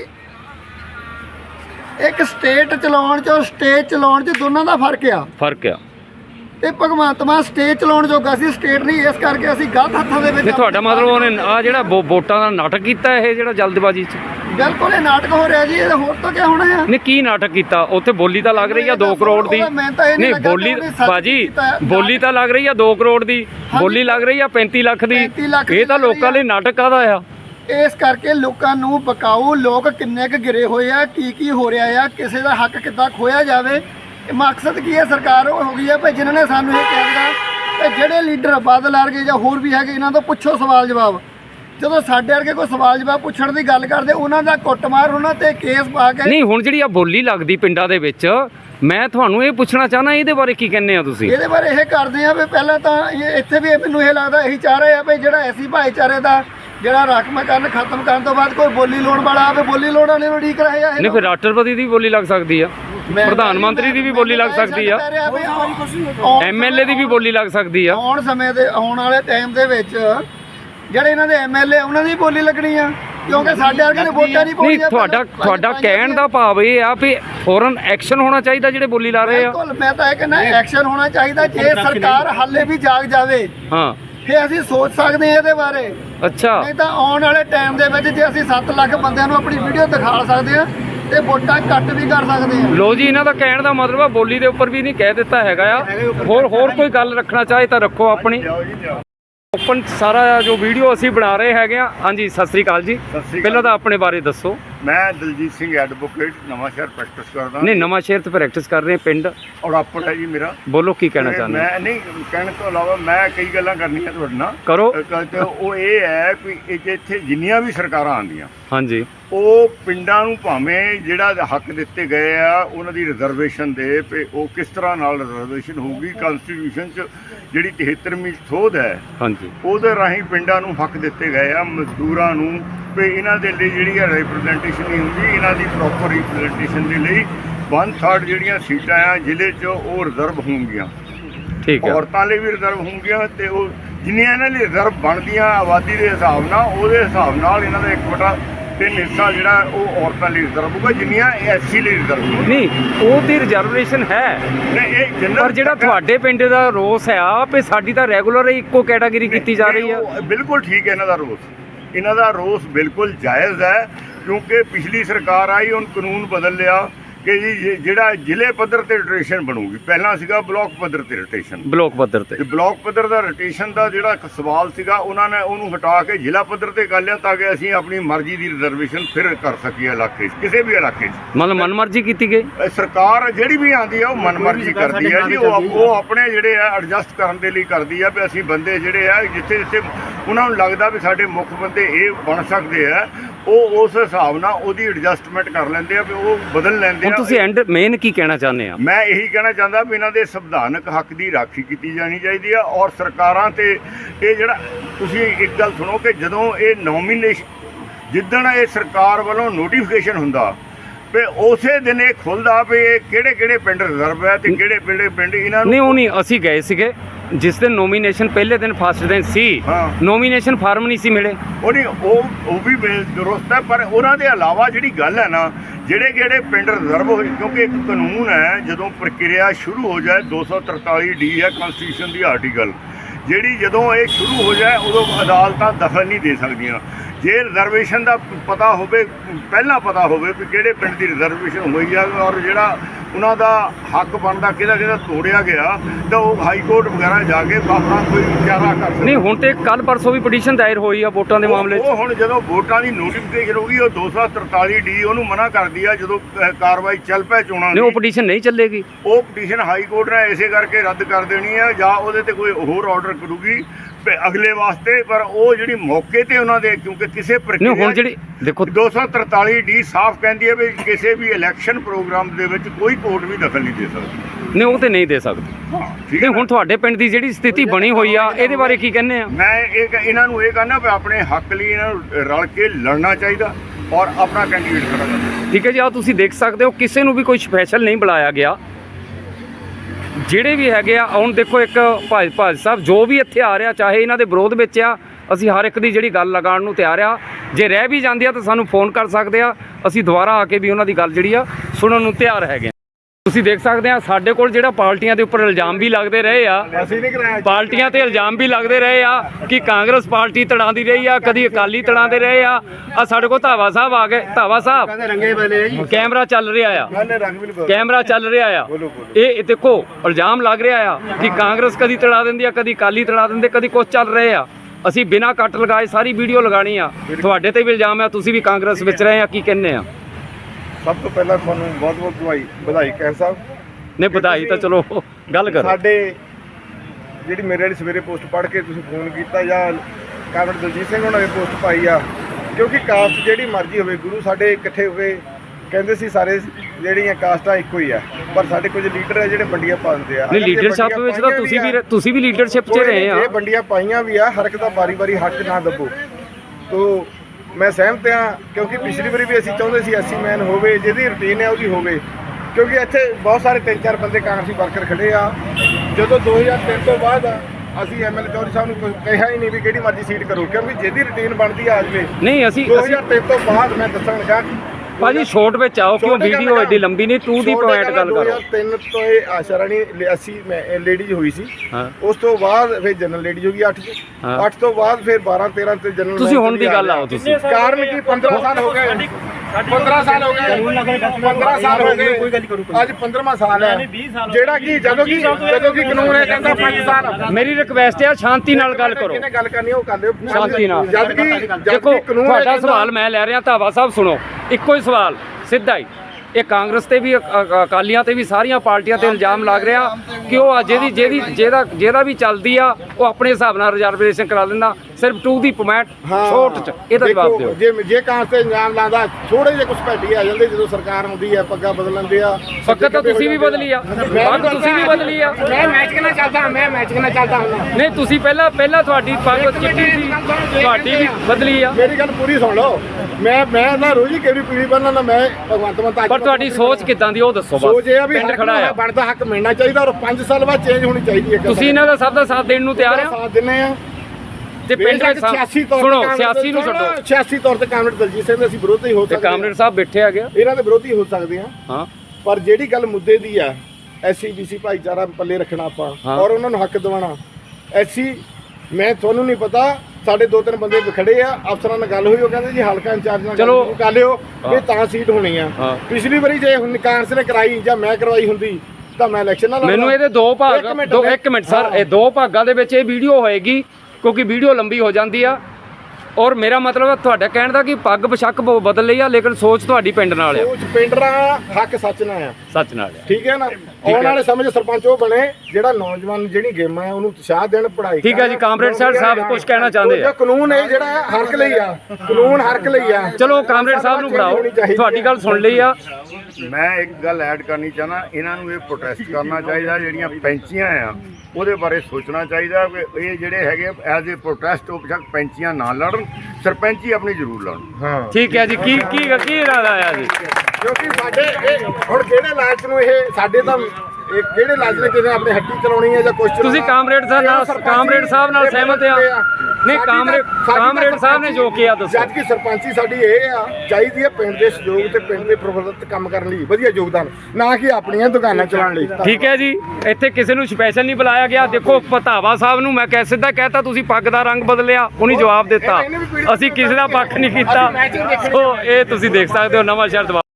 [SPEAKER 4] ਇੱਕ ਸਟੇਟ ਚਲਾਉਣ 'ਚ ਔਰ ਸਟੇਜ ਚਲਾਉਣ 'ਚ ਦੋਨਾਂ ਦਾ ਫਰਕ ਆ। ਤੇ ਭਗਵੰਤ ਮਾਨ ਸਟੇਜ ਚਲਾਉਣ ਜੋਗਾ ਸੀ, ਸਟੇਟ ਨਹੀਂ। ਇਸ ਕਰਕੇ ਅਸੀਂ ਗਲਤ ਹੱਥਾਂ ਦੇ ਵਿੱਚ।
[SPEAKER 6] ਨਹੀਂ ਤੁਹਾਡਾ ਮਤਲਬ ਉਹਨੇ ਆ ਜਿਹੜਾ ਵੋਟਾਂ ਦਾ ਨਾਟਕ ਕੀਤਾ, ਇਹ ਜਿਹੜਾ ਜਲਦਬਾਜ਼ੀ 'ਚ?
[SPEAKER 4] ਬਿਲਕੁਲ ਇਹ ਨਾਟਕ ਹੋ ਰਿਹਾ ਜੀ, ਇਹ ਹੋਰ ਤਾਂ ਕੀ ਹੋਣਾ ਆ।
[SPEAKER 6] ਨਹੀਂ ਕੀ ਨਾਟਕ ਕੀਤਾ? ਉੱਥੇ ਬੋਲੀ ਤਾਂ ਲੱਗ ਰਹੀ ਆ 2 ਕਰੋੜ ਦੀ। ਨਹੀਂ ਬੋਲੀ ਭਾਜੀ, ਬੋਲੀ ਤਾਂ ਲੱਗ ਰਹੀ ਆ 2 ਕਰੋੜ ਦੀ, ਬੋਲੀ ਲੱਗ ਰਹੀ ਆ 35 ਲੱਖ ਦੀ। ਇਹ ਤਾਂ ਲੋਕਾਂ ਲਈ ਨਾਟਕ ਕਾਹਦਾ ਆ?
[SPEAKER 4] ਇਸ ਕਰਕੇ ਲੋਕਾਂ ਨੂੰ ਬਕਾਊ ਲੋਕ ਕਿੰਨੇ ਕੁ ਗਿਰੇ ਹੋਏ ਆ, ਕੀ ਹੋ ਰਿਹਾ ਆ, ਕਿਸੇ ਦਾ ਹੱਕ ਕਿੱਦਾਂ ਖੋਇਆ ਜਾਵੇ। ਮਕਸਦ ਕੀ ਹੈ? ਸਰਕਾਰ ਹੋ ਗਈ ਹੈ ਭਾਈ ਜਿਨ੍ਹਾਂ ਨੇ ਸਾਨੂੰ ਇਹ ਕਿਹਾ ਕਿ ਜਿਹੜੇ ਲੀਡਰ ਬਾਦਲ ਵਰਗੇ ਜਾਂ ਹੋਰ ਵੀ ਹੈਗੇ, ਇਹਨਾਂ ਤੋਂ ਪੁੱਛੋ ਸਵਾਲ ਜਵਾਬ। ਜਦੋਂ ਸਾਡੇ ਵਰਗੇ ਕੋਈ ਸਵਾਲ ਜਵਾਬ ਪੁੱਛਣ ਦੀ ਗੱਲ ਕਰਦੇ, ਉਹਨਾਂ ਦਾ ਕੁੱਟਮਾਰ, ਉਹਨਾਂ ਤੇ ਕੇਸ ਪਾ ਕੇ।
[SPEAKER 6] ਨਹੀਂ ਹੁਣ ਜਿਹੜੀ ਆ ਬੋਲੀ ਲੱਗਦੀ ਪਿੰਡਾਂ ਦੇ ਵਿੱਚ, ਮੈਂ ਤੁਹਾਨੂੰ ਇਹ ਪੁੱਛਣਾ ਚਾਹਨਾ ਇਹਦੇ ਬਾਰੇ ਕੀ ਕਹਿੰਦੇ ਆ ਤੁਸੀਂ?
[SPEAKER 4] ਇਹਦੇ ਬਾਰੇ ਇਹ ਕਰਦੇ ਆ ਵੀ ਪਹਿਲਾਂ ਤਾਂ ਇੱਥੇ ਵੀ ਮੈਨੂੰ ਇਹ ਲੱਗਦਾ ਇਹੀ ਚਾਹ ਰਹੇ ਆ ਵੀ ਜਿਹੜਾ ਐਸੀ ਭਾਈਚਾਰੇ ਦਾ ਜਿਹੜਾ ਰਾਖਵਾਂਕਰਨ ਖਤਮ ਕਰਨ ਤੋਂ ਬਾਅਦ ਕੋਈ ਬੋਲੀ ਲਾਉਣ ਵਾਲਾ ਆਵੇ, ਬੋਲੀ ਲਾਉਣ ਵਾਲੇ ਨੂੰ ਉਡੀਕ ਰਹੇ ਆ।
[SPEAKER 6] ਨਹੀਂ ਫਿਰ ਰਾਸ਼ਟਰਪਤੀ ਦੀ ਬੋਲੀ ਲੱਗ ਸਕਦੀ ਆ, ਪ੍ਰਧਾਨ ਮੰਤਰੀ ਦੀ ਵੀ ਬੋਲੀ ਲੱਗ ਸਕਦੀ ਆ, MLA ਦੀ ਵੀ ਬੋਲੀ ਲੱਗ ਸਕਦੀ ਆ।
[SPEAKER 4] ਆਉਣ ਸਮੇਂ ਦੇ ਆਉਣ ਵਾਲੇ ਟਾਈਮ ਦੇ ਵਿੱਚ ਜਿਹੜੇ ਇਹਨਾਂ ਦੇ MLA ਉਹਨਾਂ ਦੀ ਬੋਲੀ ਲੱਗਣੀ ਆ। ਕਿਉਂਕਿ ਸਾਡੇ ਵਰਗੇ ਨੇ ਵੋਟਾਂ ਨਹੀਂ
[SPEAKER 6] ਨਹੀਂ
[SPEAKER 4] ਪਾਉਣੀਆਂ।
[SPEAKER 6] ਤੁਹਾਡਾ ਕਹਿਣ ਦਾ ਭਾਵ ਇਹ ਆ ਵੀ ਫੌਰਨ ਐਕਸ਼ਨ ਹੋਣਾ ਚਾਹੀਦਾ ਜਿਹੜੇ ਬੋਲੀ ਲਾ ਰਹੇ ਆ।
[SPEAKER 4] ਬਿਲਕੁਲ, ਮੈਂ ਤਾਂ ਇਹ ਕਹਿੰਦਾ ਐਕਸ਼ਨ ਹੋਣਾ ਚਾਹੀਦਾ। ਜੇ ਸਰਕਾਰ ਹਾਲੇ ਵੀ ਜਾਗ ਜਾਵੇ
[SPEAKER 6] ਹਾਂ,
[SPEAKER 4] ਫਿਰ ਅਸੀਂ ਸੋਚ ਸਕਦੇ ਹਾਂ ਇਹਦੇ ਬਾਰੇ।
[SPEAKER 6] ਅੱਛਾ,
[SPEAKER 4] ਨਹੀਂ ਤਾਂ ਆਉਣ ਵਾਲੇ ਟਾਈਮ ਦੇ ਵਿੱਚ ਜੇ ਅਸੀਂ 7 ਲੱਖ ਬੰਦਿਆਂ ਨੂੰ ਆਪਣੀ ਵੀਡੀਓ ਦਿਖਾ ਸਕਦੇ ਹਾਂ ਤੇ ਵੋਟਾਂ ਘੱਟ ਵੀ ਕਰ ਸਕਦੇ ਹਾਂ।
[SPEAKER 6] ਲੋ ਜੀ, ਇਹਨਾਂ ਦਾ ਕਹਿਣ ਦਾ ਮਤਲਬ ਆ ਬੋਲੀ ਦੇ ਉੱਪਰ ਵੀ ਨਹੀਂ ਕਹਿ ਦਿੱਤਾ ਹੈਗਾ ਆ। ਹੋਰ ਕੋਈ ਗੱਲ ਰੱਖਣਾ ਚਾਹੇ ਤਾਂ ਰੱਖੋ ਆਪਣੀ। ਓਪਨ ਸਾਰਾ ਜੋ ਵੀਡੀਓ ਅਸੀਂ ਬਣਾ ਰਹੇ ਹੈਗੇ ਆ। ਹਾਂਜੀ, ਸਤਿ ਸ੍ਰੀ ਅਕਾਲ ਜੀ। ਪਹਿਲਾਂ ਤਾਂ ਆਪਣੇ ਬਾਰੇ ਦੱਸੋ।
[SPEAKER 7] ਮੈਂ ਦਲਜੀਤ ਸਿੰਘ ਐਡਵੋਕੇਟ ਨਵਾਂ ਸ਼ਹਿਰ ਪ੍ਰੈਕਟਿਸ ਕਰਦਾ।
[SPEAKER 6] ਨਹੀਂ, ਨਵਾਂ ਸ਼ਹਿਰ ਤੇ ਪ੍ਰੈਕਟਿਸ ਕਰ ਰਹੇ ਪਿੰਡ
[SPEAKER 7] ਔੜਾਪੜ ਹੈ ਜੀ ਮੇਰਾ।
[SPEAKER 6] ਬੋਲੋ ਕੀ ਕਹਿਣਾ ਚਾਹੁੰਦੇ
[SPEAKER 7] ਮੈਂ ਨਹੀਂ ਕਹਿਣ ਤੋਂ ਇਲਾਵਾ ਮੈਂ ਕਈ ਗੱਲਾਂ ਕਰਨੀਆਂ ਤੁਹਾਡੇ ਨਾਲ।
[SPEAKER 6] ਕਰੋ।
[SPEAKER 7] ਤੇ ਉਹ ਇਹ ਹੈ ਕਿ ਇੱਥੇ ਜਿੰਨੀਆਂ ਵੀ ਸਰਕਾਰਾਂ ਆਉਂਦੀਆਂ
[SPEAKER 6] ਹਾਂਜੀ,
[SPEAKER 7] ਉਹ ਪਿੰਡਾਂ ਨੂੰ ਭਾਵੇਂ ਜਿਹੜਾ ਹੱਕ ਦਿੱਤੇ ਗਏ ਆ ਉਹਨਾਂ ਦੀ ਰਿਜ਼ਰਵੇਸ਼ਨ ਦੇ ਤੇ ਉਹ ਕਿਸ ਤਰ੍ਹਾਂ ਨਾਲ ਰਿਜ਼ਰਵੇਸ਼ਨ ਹੋਊਗੀ। ਕਨਸਟੀਟਿਊਸ਼ਨ 'ਚ ਜਿਹੜੀ 73ਵੀਂ ਸੋਧ ਹੈ
[SPEAKER 6] ਹਾਂਜੀ,
[SPEAKER 7] ਉਹਦੇ ਰਾਹੀਂ ਪਿੰਡਾਂ ਨੂੰ ਹੱਕ ਦਿੱਤੇ ਗਏ ਆ। ਮਜ਼ਦੂਰਾਂ ਨੂੰ ਵੀ ਇਹਨਾਂ ਦੇ ਲਈ ਜਿਹੜੀ ਹੈ ਰਿਪਰੈਜ਼ੈਂਟੇਸ਼ਨ ਨਹੀਂ ਹੁੰਦੀ, ਇਹਨਾਂ ਦੀ ਪ੍ਰੋਪਰ ਰਿਪਰੈਜ਼ੈਂਟੇਸ਼ਨ ਦੇ ਲਈ 1/3 ਜਿਹੜੀਆਂ ਸੀਟਾਂ ਆ ਜ਼ਿਲ੍ਹੇ 'ਚ ਉਹ ਰਿਜ਼ਰਵ ਹੋਣਗੀਆਂ।
[SPEAKER 6] ਠੀਕ ਹੈ।
[SPEAKER 7] ਔਰਤਾਂ ਲਈ ਵੀ ਰਿਜ਼ਰਵ ਹੋਣਗੀਆਂ ਤੇ ਉਹ ਜਿੰਨੀਆਂ ਇਹਨਾਂ ਲਈ ਰਿਜ਼ਰਵ ਬਣਦੀਆਂ ਆਬਾਦੀ ਦੇ ਹਿਸਾਬ ਨਾਲ ਉਹਦੇ ਹਿਸਾਬ ਨਾਲ ਇਹਨਾਂ ਦਾ 1/3 ਹਿੱਸਾ ਜਿਹੜਾ ਉਹ ਔਰਤਾਂ ਲਈ ਰਿਜ਼ਰਵ ਹੋਊਗਾ, ਜਿੰਨੀਆਂ ਐਸਸੀ ਲਈ ਰਿਜ਼ਰਵ ਹੋਊਗਾ।
[SPEAKER 6] ਨਹੀਂ, ਉਹਦੀ ਰਿਜ਼ਰਵੇਸ਼ਨ ਹੈ,
[SPEAKER 7] ਨਹੀਂ ਇਹ ਜਨਰਲ
[SPEAKER 6] ਪਰ ਜਿਹੜਾ ਤੁਹਾਡੇ ਪਿੰਡ ਦਾ ਰੋਸ ਹੈ ਆ ਵੀ ਸਾਡੀ ਤਾਂ ਰੈਗੂਲਰ ਇੱਕੋ ਕੈਟਾਗਰੀ ਕੀਤੀ ਜਾ ਰਹੀ ਆ।
[SPEAKER 7] ਬਿਲਕੁਲ ਠੀਕ ਹੈ ਇਹਨਾਂ ਦਾ ਰੋਸ। ਇਹਨਾਂ ਦਾ ਰੋਸ ਬਿਲਕੁਲ ਜਾਇਜ਼ ਹੈ ਕਿਉਂਕਿ ਪਿਛਲੀ ਸਰਕਾਰ ਆਈ, ਹੁਣ ਕਾਨੂੰਨ ਬਦਲ ਲਿਆ ਕਿ ਜੀ ਜਿਹੜਾ ਜ਼ਿਲ੍ਹੇ ਪੱਧਰ ਤੇ ਰੋਟੇਸ਼ਨ ਬਣੂਗੀ। ਪਹਿਲਾਂ ਸੀਗਾ ਬਲਾਕ ਪੱਧਰ ਤੇ ਰੋਟੇਸ਼ਨ।
[SPEAKER 6] ਬਲਾਕ ਪੱਧਰ ਤੇ
[SPEAKER 7] ਬਲਾਕ ਪੱਧਰ ਦਾ ਰੋਟੇਸ਼ਨ ਦਾ ਜਿਹੜਾ ਇੱਕ ਸਵਾਲ ਸੀਗਾ ਉਹਨਾਂ ਨੇ ਉਹਨੂੰ ਹਟਾ ਕੇ ਜ਼ਿਲ੍ਹਾ ਪੱਧਰ ਤੇ ਕਰ ਲਿਆ ਤਾਂ ਕਿ ਅਸੀਂ ਆਪਣੀ ਮਰਜ਼ੀ ਦੀ ਰਿਜ਼ਰਵੇਸ਼ਨ ਫਿਰ ਕਰ ਸਕੀਏ ਇਲਾਕੇ 'ਚ, ਕਿਸੇ ਵੀ ਇਲਾਕੇ 'ਚ।
[SPEAKER 6] ਮਤਲਬ ਮਨਮਰਜ਼ੀ ਕੀਤੀ ਗਈ।
[SPEAKER 7] ਸਰਕਾਰ ਜਿਹੜੀ ਵੀ ਆਉਂਦੀ ਆ ਉਹ ਮਨਮਰਜ਼ੀ ਕਰਦੀ ਹੈ ਜੀ। ਉਹ ਆਪਣੇ ਜਿਹੜੇ ਆ ਐਡਜਸਟ ਕਰਨ ਦੇ ਲਈ ਕਰਦੀ ਆ ਵੀ ਅਸੀਂ ਬੰਦੇ ਜਿਹੜੇ ਆ ਜਿੱਥੇ ਜਿੱਥੇ ਉਹਨਾਂ ਨੂੰ ਲੱਗਦਾ ਵੀ ਸਾਡੇ ਮੁੱਖ ਬੰਦੇ ਇਹ ਬਣ ਸਕਦੇ ਆ, ਉਹ ਉਸ ਹਿਸਾਬ ਨਾਲ ਉਹਦੀ ਐਡਜਸਟਮੈਂਟ ਕਰ ਲੈਂਦੇ ਆ ਵੀ ਉਹ ਬਦਲ ਲੈਂਦੇ
[SPEAKER 6] ਹੁਣ
[SPEAKER 7] ਆ।
[SPEAKER 6] ਤੁਸੀਂ ਐਂਡ ਮੇਨ ਕੀ ਕਹਿਣਾ ਚਾਹੁੰਦੇ ਆ?
[SPEAKER 7] ਮੈਂ ਇਹੀ ਕਹਿਣਾ ਚਾਹੁੰਦਾ ਵੀ ਇਹਨਾਂ ਦੇ ਸੰਵਿਧਾਨਕ ਹੱਕ ਦੀ ਰਾਖੀ ਕੀਤੀ ਜਾਣੀ ਚਾਹੀਦੀ ਆ। ਔਰ ਸਰਕਾਰਾਂ ਤੇ ਇਹ ਜਿਹੜਾ ਤੁਸੀਂ ਇੱਕ ਗੱਲ ਸੁਣੋ ਕਿ ਜਦੋਂ ਇਹ ਨੋਮੀਨੇਸ਼ਨ ਜਿੱਦਣ ਇਹ ਸਰਕਾਰ ਵੱਲੋਂ ਨੋਟੀਫਿਕੇਸ਼ਨ ਹੁੰਦਾ ਵੀ ਉਸੇ ਦਿਨ ਇਹ ਖੁੱਲਦਾ ਵੀ ਇਹ ਕਿਹੜੇ ਕਿਹੜੇ ਪਿੰਡ ਰਿਜ਼ਰਵ ਹੈ ਤੇ ਕਿਹੜੇ ਪਿੰਡ ਇਹਨਾਂ ਨੂੰ।
[SPEAKER 6] ਨਹੀਂ, ਉਹ ਨਹੀਂ, ਅਸੀਂ ਗਏ ਸੀਗੇ ਜਿਸ ਦਿਨ ਨੋਮੀਨੇਸ਼ਨ ਪਹਿਲੇ ਦਿਨ ਫਸਟ ਦਿਨ ਸੀ,
[SPEAKER 7] ਹਾਂ।
[SPEAKER 6] ਨੋਮੀਨੇਸ਼ਨ ਫਾਰਮ ਨਹੀਂ ਸੀ ਮਿਲੇ।
[SPEAKER 7] ਉਹ ਨਹੀਂ ਉਹ ਵੀ ਦੁਰਸਤ ਹੈ, ਪਰ ਉਹਨਾਂ ਦੇ ਇਲਾਵਾ ਜਿਹੜੀ ਗੱਲ ਹੈ ਨਾ ਜਿਹੜੇ ਕਿਹੜੇ ਪਿੰਡ ਰਿਜ਼ਰਵ ਹੋਏ, ਕਿਉਂਕਿ ਇੱਕ ਕਾਨੂੰਨ ਹੈ ਜਦੋਂ ਪ੍ਰਕਿਰਿਆ ਸ਼ੁਰੂ ਹੋ ਜਾਏ 243D ਹੈ ਕਨਸਟੀਟਿਊਸ਼ਨ ਦੀ ਆਰਟੀਕਲ, ਜਿਹੜੀ ਜਦੋਂ ਇਹ ਸ਼ੁਰੂ ਹੋ ਜਾਏ ਉਦੋਂ ਅਦਾਲਤਾਂ ਦਖਲ ਨਹੀਂ ਦੇ ਸਕਦੀਆਂ। ਜੇ ਰਿਜ਼ਰਵੇਸ਼ਨ ਦਾ ਪਤਾ ਹੋਵੇ, ਪਹਿਲਾਂ ਪਤਾ ਹੋਵੇ ਵੀ ਕਿਹੜੇ ਪਿੰਡ ਦੀ ਰਿਜ਼ਰਵੇਸ਼ਨ ਹੋਈ ਆ ਔਰ ਜਿਹੜਾ ਉਹਨਾਂ ਦਾ ਹੱਕ ਬਣਦਾ ਕਿਹਦਾ ਤੋੜਿਆ ਗਿਆ, ਤਾਂ ਉਹ ਹਾਈ ਕੋਰਟ ਵਗੈਰਾ ਜਾ ਕੇ ਆਪਣਾ ਕੋਈ ਵਿਚਾਰਾ ਕਰ ਸਕਦੇ।
[SPEAKER 6] ਨਹੀਂ, ਹੁਣ ਤੇ ਕੱਲ ਪਰਸੋਂ ਵੀ ਪਟੀਸ਼ਨ ਦਾਇਰ ਹੋਈ ਆ ਵੋਟਾਂ ਦੇ ਮਾਮਲੇ 'ਚ।
[SPEAKER 7] ਉਹ ਹੁਣ ਜਦੋਂ ਵੋਟਾਂ ਦੀ ਨੋਟੀਫਿਕੇਸ਼ਨ ਹੋਊਗੀ ਉਹ 243D ਉਹਨੂੰ ਮਨਾ ਕਰਦੀ ਆ ਜਦੋਂ ਕਾਰਵਾਈ ਚੱਲ ਪਏ ਚੋਣਾਂ
[SPEAKER 6] ਨਹੀਂ, ਉਹ
[SPEAKER 7] ਦੀ।
[SPEAKER 6] ਪਟੀਸ਼ਨ ਨਹੀਂ ਚੱਲੇਗੀ।
[SPEAKER 7] ਉਹ ਪਟੀਸ਼ਨ ਹਾਈ ਕੋਰਟ ਨੇ ਇਸੇ ਕਰਕੇ ਰੱਦ ਕਰ ਦੇਣੀ ਹੈ ਜਾਂ ਉਹਦੇ ਤੇ ਕੋਈ ਹੋਰ ਆਰਡਰ ਕਰੂਗੀ ਅਗਲੇ ਵਾਸਤੇ। ਪਰ ਉਹ ਜਿਹੜੀ ਮੌਕੇ ਤੇ ਉਹਨਾਂ ਦੇ ਕਿਉਂਕਿ ਕਿਸੇ
[SPEAKER 6] ਨਹੀਂ,
[SPEAKER 7] ਪ੍ਰਕਿਰਿਆ
[SPEAKER 6] ਹੁਣ ਜਿਹੜੀ ਦੇਖੋ
[SPEAKER 7] 243D ਸਾਫ਼ ਕਹਿੰਦੀ ਹੈ ਵੀ ਕਿਸੇ ਵੀ ਇਲੈਕਸ਼ਨ ਪ੍ਰੋਗਰਾਮ ਦੇ ਵਿੱਚ ਕੋਈ ਕੋਰਟ ਵੀ ਦਖਲ ਨਹੀਂ ਦੇ ਸਕਦੀ।
[SPEAKER 6] ਨਹੀਂ, ਉਹ ਤੇ ਨਹੀਂ ਦੇ ਸਕਦੇ।
[SPEAKER 7] ਠੀਕ
[SPEAKER 6] ਨਹੀਂ,
[SPEAKER 7] ਹੈ।
[SPEAKER 6] ਹੁਣ ਤੁਹਾਡੇ ਪਿੰਡ ਦੀ ਜਿਹੜੀ ਸਥਿਤੀ ਬਣੀ ਹੋਈ ਆ ਇਹਦੇ ਬਾਰੇ ਕੀ ਕਹਿੰਦੇ ਆ?
[SPEAKER 7] ਮੈਂ ਇਹਨਾਂ ਨੂੰ ਇਹ ਕਹਿੰਦਾ ਵੀ ਆਪਣੇ ਹੱਕ ਲਈ ਇਹਨਾਂ ਨੂੰ ਰਲ ਕੇ ਲੜਨਾ ਚਾਹੀਦਾ ਔਰ ਆਪਣਾ ਕੈਂਡੀਡੇਟ ਖੜਾ ਕਰਨਾ ਚਾਹੀਦਾ।
[SPEAKER 6] ਠੀਕ ਹੈ ਜੀ, ਆ ਤੁਸੀਂ ਦੇਖ ਸਕਦੇ ਹੋ ਕਿਸੇ ਨੂੰ ਵੀ ਕੋਈ ਸਪੈਸ਼ਲ ਨਹੀਂ ਬੁਲਾਇਆ ਗਿਆ। ਜਿਹੜੇ ਵੀ ਹੈਗੇ ਆ ਹੁਣ ਦੇਖੋ ਇੱਕ ਭਾਜ ਸਾਹਿਬ ਜੋ ਵੀ ਇੱਥੇ ਆ ਰਿਹਾ ਚਾਹੇ ਇਹਨਾਂ ਦੇ ਵਿਰੋਧ ਵਿੱਚ ਆ, ਅਸੀਂ ਹਰ ਇੱਕ ਦੀ ਜਿਹੜੀ ਗੱਲ ਲਗਾਉਣ ਨੂੰ ਤਿਆਰ ਆ। ਜੇ ਰਹਿ ਵੀ ਜਾਂਦੀ ਆ ਤਾਂ ਸਾਨੂੰ ਫੋਨ ਕਰ ਸਕਦੇ ਆ, ਅਸੀਂ ਦੁਬਾਰਾ ਆ ਕੇ ਵੀ ਉਹਨਾਂ ਦੀ ਗੱਲ ਜਿਹੜੀ ਆ ਸੁਣਨ ਨੂੰ ਤਿਆਰ ਹੈਗੇ। ਤੁਸੀਂ ਦੇਖ ਸਕਦੇ ਆ ਸਾਡੇ ਕੋਲ ਜਿਹੜਾ ਪਾਰਟੀਆਂ ਦੇ ਉੱਪਰ ਇਲਜ਼ਾਮ ਵੀ ਲੱਗਦੇ ਰਹੇ ਆ, ਪਾਰਟੀਆਂ ਤੇ ਇਲਜ਼ਾਮ ਵੀ ਲੱਗਦੇ ਰਹੇ ਆ ਕਿ ਕਾਂਗਰਸ ਪਾਰਟੀ ਤੜਾਉਂਦੀ ਰਹੀ ਆ, ਕਦੀ ਅਕਾਲੀ ਤੜਾਉਂਦੇ ਰਹੇ ਆ। ਆ ਸਾਡੇ ਕੋਲ ਧਾਵਾ ਸਾਹਿਬ ਆ ਗਏ। ਧਾਵਾ ਸਾਹਿਬ, ਕੈਮਰਾ ਚੱਲ ਰਿਹਾ ਆ, ਕੈਮਰਾ ਚੱਲ ਰਿਹਾ ਆ। ਇਹ ਦੇਖੋ ਇਲਜ਼ਾਮ ਲੱਗ ਰਿਹਾ ਆ ਕਿ ਕਾਂਗਰਸ ਕਦੀ ਤੜਾ ਦਿੰਦੀ ਆ, ਕਦੀ ਅਕਾਲੀ ਤੜਾ ਦਿੰਦੇ, ਕਦੀ ਕੁਛ ਚੱਲ ਰਹੇ ਆ। ਅਸੀਂ ਬਿਨਾਂ ਕੱਟ ਲਗਾਏ ਸਾਰੀ ਵੀਡੀਓ ਲਗਾਣੀ ਆ। ਤੁਹਾਡੇ ਤੇ ਵੀ ਇਲਜ਼ਾਮ ਆ ਤੁਸੀਂ ਵੀ ਕਾਂਗਰਸ ਵਿੱਚ ਰਹੇ ਆ, ਕੀ ਕਹਿੰਦੇ ਆ?
[SPEAKER 8] ਸਭ ਤੋਂ ਪਹਿਲਾਂ ਤੁਹਾਨੂੰ ਬਹੁਤ ਵਧਾਈ ਕਹਿ ਸਾਹਿਬ।
[SPEAKER 6] ਨਹੀਂ, ਵਧਾਈ ਤਾਂ ਚਲੋ ਗੱਲ ਕਰੋ।
[SPEAKER 8] ਸਾਡੇ ਜਿਹੜੀ ਮੇਰੇ ਵਾਲੀ ਸਵੇਰੇ ਪੋਸਟ ਪੜ੍ਹ ਕੇ ਤੁਸੀਂ ਫੋਨ ਕੀਤਾ ਜਾਂ ਕੈਪਟਨ ਦਲਜੀਤ ਸਿੰਘ ਉਹਨਾਂ ਨੇ ਪੋਸਟ ਪਾਈ ਆ, ਕਿਉਂਕਿ ਕਾਸਟ ਜਿਹੜੀ ਮਰਜ਼ੀ ਹੋਵੇ, ਗੁਰੂ ਸਾਡੇ ਇਕੱਠੇ ਹੋਏ ਕਹਿੰਦੇ ਸੀ ਸਾਰੇ ਜਿਹੜੀਆਂ ਕਾਸਟਾਂ ਇੱਕੋ ਹੀ ਆ, ਪਰ ਸਾਡੇ ਕੁਝ ਲੀਡਰ ਆ ਜਿਹੜੇ ਵੰਡੀਆਂ ਪਾ ਦਿੰਦੇ ਆ।
[SPEAKER 6] ਨਹੀਂ, ਲੀਡਰਸ਼ਿਪ ਵਿੱਚ ਤਾਂ ਤੁਸੀਂ ਵੀ ਲੀਡਰਸ਼ਿਪ 'ਚ ਰਹੇ ਆ।
[SPEAKER 8] ਇਹ ਵੰਡੀਆਂ ਪਾਈਆਂ ਵੀ ਆ, ਹਰ ਇੱਕ ਦਾ ਵਾਰੀ ਹੱਕ ਨਾ ਦੱਬੋ। ਤੋ ਮੈਂ ਸਹਿਮਤ ਹਾਂ ਕਿਉਂਕਿ ਪਿਛਲੀ ਵਾਰੀ ਵੀ ਅਸੀਂ ਚਾਹੁੰਦੇ ਸੀ ਐਸਸੀ ਮੈਨ ਹੋਵੇ, ਜਿਹਦੀ ਰੂਟੀਨ ਹੈ ਉਹਦੀ ਹੋਵੇ, ਕਿਉਂਕਿ ਇੱਥੇ ਬਹੁਤ ਸਾਰੇ 3-4 ਬੰਦੇ ਕਾਂਗਰਸੀ ਵਰਕਰ ਖੜੇ ਆ। ਜਦੋਂ 2003 ਤੋਂ ਬਾਅਦ ਅਸੀਂ ਐਮਐਲਏ ਚੌਧਰੀ ਸਾਹਿਬ ਨੂੰ ਕੁਛ ਕਿਹਾ ਹੀ ਨਹੀਂ ਵੀ ਕਿਹੜੀ ਮਰਜ਼ੀ ਸੀਟ ਕਰੋ, ਕਿਉਂਕਿ ਜਿਹਦੀ ਰੁਟੀਨ ਬਣਦੀ ਆ ਜਵੇ।
[SPEAKER 6] ਨਹੀਂ ਅਸੀਂ
[SPEAKER 8] 2003 ਤੋਂ ਬਾਅਦ ਮੈਂ ਦੱਸਣ ਲੱਗਾ
[SPEAKER 6] ਭਾਜੀ ਛੋਟ ਵਿੱਚ ਆਓ, ਕਿਉਂ ਵੀਡੀਓ ਐਡੀ ਲੰਬੀ ਨਹੀਂ, ਟੂ ਦੀ ਪੁਆਇੰਟ ਗੱਲ ਕਰੋ।
[SPEAKER 8] 2003 ਤੋਂ ਇਹ ਆਸ਼ਾ ਰਾਣੀ 80 ਲੇਡੀਜ਼ ਹੋਈ ਸੀ,
[SPEAKER 6] ਹਾਂ
[SPEAKER 8] ਉਸ ਤੋਂ ਬਾਅਦ ਫਿਰ ਜਨਰਲ ਲੇਡੀਜ਼ ਹੋ ਗਈ 8 ਚ,
[SPEAKER 6] ਹਾਂ।
[SPEAKER 8] 8 ਤੋਂ ਬਾਅਦ ਫਿਰ 12 13 ਤੇ ਜਨਰਲ।
[SPEAKER 6] ਤੁਸੀਂ ਹੁਣ ਦੀ ਗੱਲ ਆਓ ਤੁਸੀਂ।
[SPEAKER 8] ਕਾਰਨ ਕੀ 15 ਸਾਲ ਹੋ ਗਏ, 15 ਸਾਲ ਹੋ ਗਏ, 15 ਸਾਲ ਹੋ ਗਏ, ਅੱਜ 15ਵਾਂ ਸਾਲ ਹੈ, ਜਿਹੜਾ ਕਿ ਜਦੋਂ ਕਿ ਕਾਨੂੰਨ ਇਹ ਕਹਿੰਦਾ 5 ਸਾਲ।
[SPEAKER 6] ਮੇਰੀ ਰਿਕਵੈਸਟ ਹੈ ਸ਼ਾਂਤੀ ਨਾਲ ਗੱਲ ਕਰੋ,
[SPEAKER 8] ਜਿਹਨੇ ਗੱਲ ਕਰਨੀ ਉਹ ਕਰ ਲਿਓ
[SPEAKER 6] ਸ਼ਾਂਤੀ ਨਾਲ।
[SPEAKER 8] ਜਦ ਕਿ
[SPEAKER 6] ਦੇਖੋ
[SPEAKER 8] ਕਾਨੂੰਨ
[SPEAKER 6] ਤੁਹਾਡਾ ਸਵਾਲ ਮੈਂ ਲੈ ਰਿਹਾ, ਧਾਵਾ ਸਾਹਿਬ ਸੁਣੋ, ਇੱਕੋ ਹੀ ਸਵਾਲ ਸਿੱਧਾ ਹੀ। ਇਹ ਕਾਂਗਰਸ ਤੇ ਵੀ ਅਕਾਲੀਆਂ ਤੇ ਵੀ ਸਾਰੀਆਂ ਪਾਰਟੀਆਂ ਤੇ ਇਲਜ਼ਾਮ ਲੱਗ ਰਿਹਾ ਕਿ ਉਹ ਜਿਹਦਾ ਵੀ ਚੱਲਦੀ ਆ ਉਹ ਆਪਣੇ ਹਿਸਾਬ ਨਾਲ ਰਿਜ਼ਰਵੇਸ਼ਨ ਕਰਾ ਲੈਂਦਾ, ਸਿਰਫ 2 ਦੀ ਪੁਆਇੰਟ ਛੋਟ ਚ। ਇਹਦਾ ਜਵਾਬ ਦਿਓ।
[SPEAKER 8] ਜੇ ਕਾਂਗਰਸ ਤੇ ਇਲਜ਼ਾਮ ਲਾਉਂਦਾ ਥੋੜੇ ਜਿਹੇ ਕੁਝ ਭੈਟੀ ਆ ਜਾਂਦੇ, ਜਦੋਂ ਸਰਕਾਰ ਆਉਂਦੀ ਹੈ ਪੱਗਾਂ ਬਦਲ ਲੈਂਦੇ ਆ।
[SPEAKER 6] ਫਕਤ ਤਾਂ ਤੁਸੀਂ ਵੀ ਬਦਲੀ ਆ, ਪੱਗ ਤੁਸੀਂ ਵੀ ਬਦਲੀ ਆ।
[SPEAKER 8] ਮੈਂ ਮੈਚ ਕਰਨਾ ਚੱਲਦਾ ਹੁੰਦਾ।
[SPEAKER 6] ਨਹੀਂ ਤੁਸੀਂ ਪਹਿਲਾਂ ਤੁਹਾਡੀ ਪੱਗ ਚਿੱਟੀ ਸੀ, ਤੁਹਾਡੀ ਵੀ ਬਦਲੀ ਆ।
[SPEAKER 8] ਮੇਰੀ ਗੱਲ ਪੂਰੀ ਸੁਣ ਲਓ, ਮੈਂ ਨਾ ਰੋਜ਼ ਹੀ ਕਿਹੜੀ ਪੀੜੀ ਬਣਨਾ ਨਾ, ਮੈਂ ਭਗਵੰਤ ਮਾਨ ਤੱਕ।
[SPEAKER 6] ਪਰ ਤੁਹਾਡੀ ਸੋਚ ਕਿੱਦਾਂ ਦੀ ਉਹ ਦੱਸੋ ਬਸ।
[SPEAKER 8] ਸੋਚ ਇਹ ਆ ਵੀ
[SPEAKER 6] ਪਿੰਡ
[SPEAKER 8] ਹੱਕ
[SPEAKER 6] ਖੜਾ ਆ,
[SPEAKER 8] ਬਣਦਾ ਹੱਕ ਮਿਲਣਾ ਚਾਹੀਦਾ, ਔਰ 5 ਸਾਲ ਬਾਅਦ ਚੇਂਜ ਹੋਣੀ ਚਾਹੀਦੀ ਹੈ।
[SPEAKER 6] ਤੁਸੀਂ ਇਹਨਾਂ ਦਾ ਸਭ ਦਾ ਸਾਥ ਦੇਣ ਨੂੰ ਤਿਆਰ ਆ
[SPEAKER 8] ਸਾਥ ਦਿੰਨੇ ਆ
[SPEAKER 6] ਤੇ ਪਿੰਡ ਵਿੱਚ ਸੁਣੋ, ਸਿਆਸੀ ਨੂੰ ਛੱਡੋ।
[SPEAKER 8] ਸਿਆਸੀ ਤੌਰ ਤੇ ਕਾਮਰੇਡ ਦਲਜੀਤ ਸਿੰਘ ਦੇ ਅਸੀਂ ਵਿਰੋਧੀ ਹੋ
[SPEAKER 6] ਤੇ
[SPEAKER 8] ਸਕਦੇ
[SPEAKER 6] ਕਾਮਰੇਡ ਸਾਹਿਬ ਬੈਠੇ ਆ ਗਿਆ,
[SPEAKER 8] ਇਹਨਾਂ ਦੇ ਵਿਰੋਧੀ ਹੋ ਸਕਦੇ ਆ,
[SPEAKER 6] ਹਾਂ।
[SPEAKER 8] ਪਰ ਜਿਹੜੀ ਗੱਲ ਮੁੱਦੇ ਦੀ ਆ, ਐਸਸੀ ਬੀਸੀ ਭਾਈਚਾਰਾ ਪੱਲੇ ਰੱਖਣਾ ਆਪਾਂ,
[SPEAKER 6] ਹਾਂ।
[SPEAKER 8] ਔਰ ਉਹਨਾਂ ਨੂੰ ਹੱਕ ਦਿਵਾਉਣਾ। ਐਸਸੀ ਮੈਂ ਤੁਹਾਨੂੰ ਨਹੀਂ ਪਤਾ, ਸਾਡੇ 2-3 ਬੰਦੇ ਖੜੇ ਆ, ਅਫਸਰਾਂ ਨਾਲ ਗੱਲ ਹੋਈ, ਉਹ ਕਹਿੰਦੇ ਜੀ ਹਲਕਾ ਇੰਚਾਰਜ ਨਾਲ
[SPEAKER 6] ਚਲੋ।
[SPEAKER 8] ਕਰ ਲਿਓ ਵੀ ਤਾਂ ਸੀਟ ਹੋਣੀ ਆ।
[SPEAKER 6] ਹਾਂ।
[SPEAKER 8] ਪਿਛਲੀ ਵਾਰੀ ਜੇ ਹੁਣ ਕਾਂਗਰਸ ਨੇ ਕਰਾਈ ਜਾਂ ਮੈਂ ਕਰਵਾਈ ਹੁੰਦੀ ਤਾਂ ਮੈਂ ਇਲੈਕਸ਼ਨ ਨਾਲ
[SPEAKER 6] ਮੈਨੂੰ ਇਹਦੇ 2 ਭਾਗ, ਇੱਕ ਮਿੰਟ ਸਰ, ਇਹ 2 ਭਾਗਾਂ ਦੇ ਵਿੱਚ ਇਹ ਵੀਡੀਓ ਹੋਏਗੀ, ਕਿਉਂਕਿ ਵੀਡੀਓ ਲੰਬੀ ਹੋ ਜਾਂਦੀ ਆ। ਔਰ ਮੇਰਾ ਮਤਲਬ ਹੈ ਤੁਹਾਡਾ ਕਹਿਣ ਦਾ ਕਿ ਪੱਗ ਬਸ਼ੱਕ ਬਦਲ ਲਈ ਆ, ਲੇਕਿਨ ਸੋਚ ਤੁਹਾਡੀ ਪਿੰਡ ਨਾਲ ਆ।
[SPEAKER 8] ਸੋਚ ਪਿੰਡ ਦਾ ਹੱਕ ਸੱਚ ਨਾਲ ਆ,
[SPEAKER 6] ਸੱਚ ਨਾਲ ਆ।
[SPEAKER 8] ਠੀਕ ਹੈ ਨਾ। ਆਉਣ ਵਾਲੇ ਸਮੇਂ 'ਚ ਸਰਪੰਚ ਉਹ ਬਣੇ ਜਿਹੜਾ ਨੌਜਵਾਨ ਜਿਹੜੀ ਗੇਮਾਂ ਆ ਉਹਨੂੰ ਉਤਸ਼ਾਹ ਦੇਣ, ਪੜ੍ਹਾਈ
[SPEAKER 6] ਠੀਕ ਹੈ ਜੀ, ਕਾਮਰੇਡ ਸਾਹਿਬ ਕੁਝ ਕਹਿਣਾ ਚਾਹੁੰਦੇ ਆ।
[SPEAKER 8] ਕਾਨੂੰਨ ਇਹ ਜਿਹੜਾ ਹਰਕ ਲਈ ਆ, ਕਾਨੂੰਨ ਹਰਕ ਲਈ ਆ।
[SPEAKER 6] ਚਲੋ ਕਾਮਰੇਡ ਸਾਹਿਬ ਨੂੰ ਬੁਲਾਓ, ਤੁਹਾਡੀ ਗੱਲ ਸੁਣ ਲਈ ਆ।
[SPEAKER 7] ਮੈਂ ਇੱਕ ਗੱਲ ਐਡ ਕਰਨੀ ਚਾਹਨਾ, ਇਹਨਾਂ ਨੂੰ ਇਹ ਪ੍ਰੋਟੈਸਟ ਕਰਨਾ ਚਾਹੀਦਾ, ਜਿਹੜੀਆਂ ਪੈਂਚੀਆਂ ਆ ਉਹਦੇ ਬਾਰੇ ਸੋਚਣਾ ਚਾਹੀਦਾ ਕਿ ਇਹ ਜਿਹੜੇ ਹੈਗੇ ਐਜ਼ ਏ ਪ੍ਰੋਟੈਸਟ ਉਹ ਬੇਸ਼ੱਕ ਪੈਂਚੀਆਂ ਨਾ ਲੜਨ, ਸਰਪੰਚੀ ਆਪਣੀ ਜ਼ਰੂਰ ਲੜਨ।
[SPEAKER 8] ਹਾਂ
[SPEAKER 6] ਠੀਕ ਹੈ ਜੀ, ਕੀ ਇਰਾਦਾ ਆ ਜੀ?
[SPEAKER 8] ਕਿਉਂਕਿ ਸਾਡੇ ਇਹ ਹੁਣ ਕਿਹੜੇ ਲਾਲਚ ਨੂੰ ਇਹ ਸਾਡੇ ਤਾਂ ਇਹ ਕਿਹੜੇ ਲਾਲਚ ਨੇ ਕਿਸੇ ਆਪਣੇ ਹੱਟੀ ਚਲਾਉਣੀ ਹੈ ਜਾਂ ਕੁਛ ਚਲਾਉਣਾ।
[SPEAKER 6] ਤੁਸੀਂ ਕਾਮਰੇਡ ਸਾਹਿਬ ਨਾਲ ਸਹਿਮਤ ਆ? ਨਹੀਂ, ਕਾਮਰੇਡ ਸਾਹਿਬ ਨੇ ਜੋ ਕਿਹਾ ਦੱਸੋ।
[SPEAKER 8] ਜਦ ਕਿ ਸਰਪੰਚੀ ਸਾਡੀ ਇਹ ਆ ਚਾਹੀਦੀ ਹੈ ਪਿੰਡ ਦੇ ਸਹਿਯੋਗ ਤੇ ਪਿੰਡ ਦੇ ਪ੍ਰਫੁੱਲਤ ਕੰਮ ਕਰਨ ਲਈ ਵਧੀਆ ਯੋਗਦਾਨ, ਨਾ ਕਿ ਆਪਣੀਆਂ ਦੁਕਾਨਾਂ ਚਲਾਉਣ ਲਈ।
[SPEAKER 6] ਠੀਕ ਹੈ ਜੀ, ਇੱਥੇ ਕਿਸੇ ਨੂੰ ਸਪੈਸ਼ਲ ਨਹੀਂ ਬੁਲਾਇਆ ਗਿਆ। ਦੇਖੋ ਧਾਵਾ ਸਾਹਿਬ ਨੂੰ ਮੈਂ ਸਿੱਧਾ ਕਹਿਤਾ ਤੁਸੀਂ ਪੱਗ ਦਾ ਰੰਗ ਬਦਲਿਆ, ਉਹਨੇ ਜਵਾਬ ਦਿੱਤਾ ਅਸੀਂ ਕਿਸੇ ਦਾ ਪੱਖ ਨਹੀਂ ਕੀਤਾ। ਸੋ ਇਹ ਤੁਸੀਂ ਦੇਖ ਸਕਦੇ ਹੋ ਨਵਾਂ ਸ਼ਹਿਰ।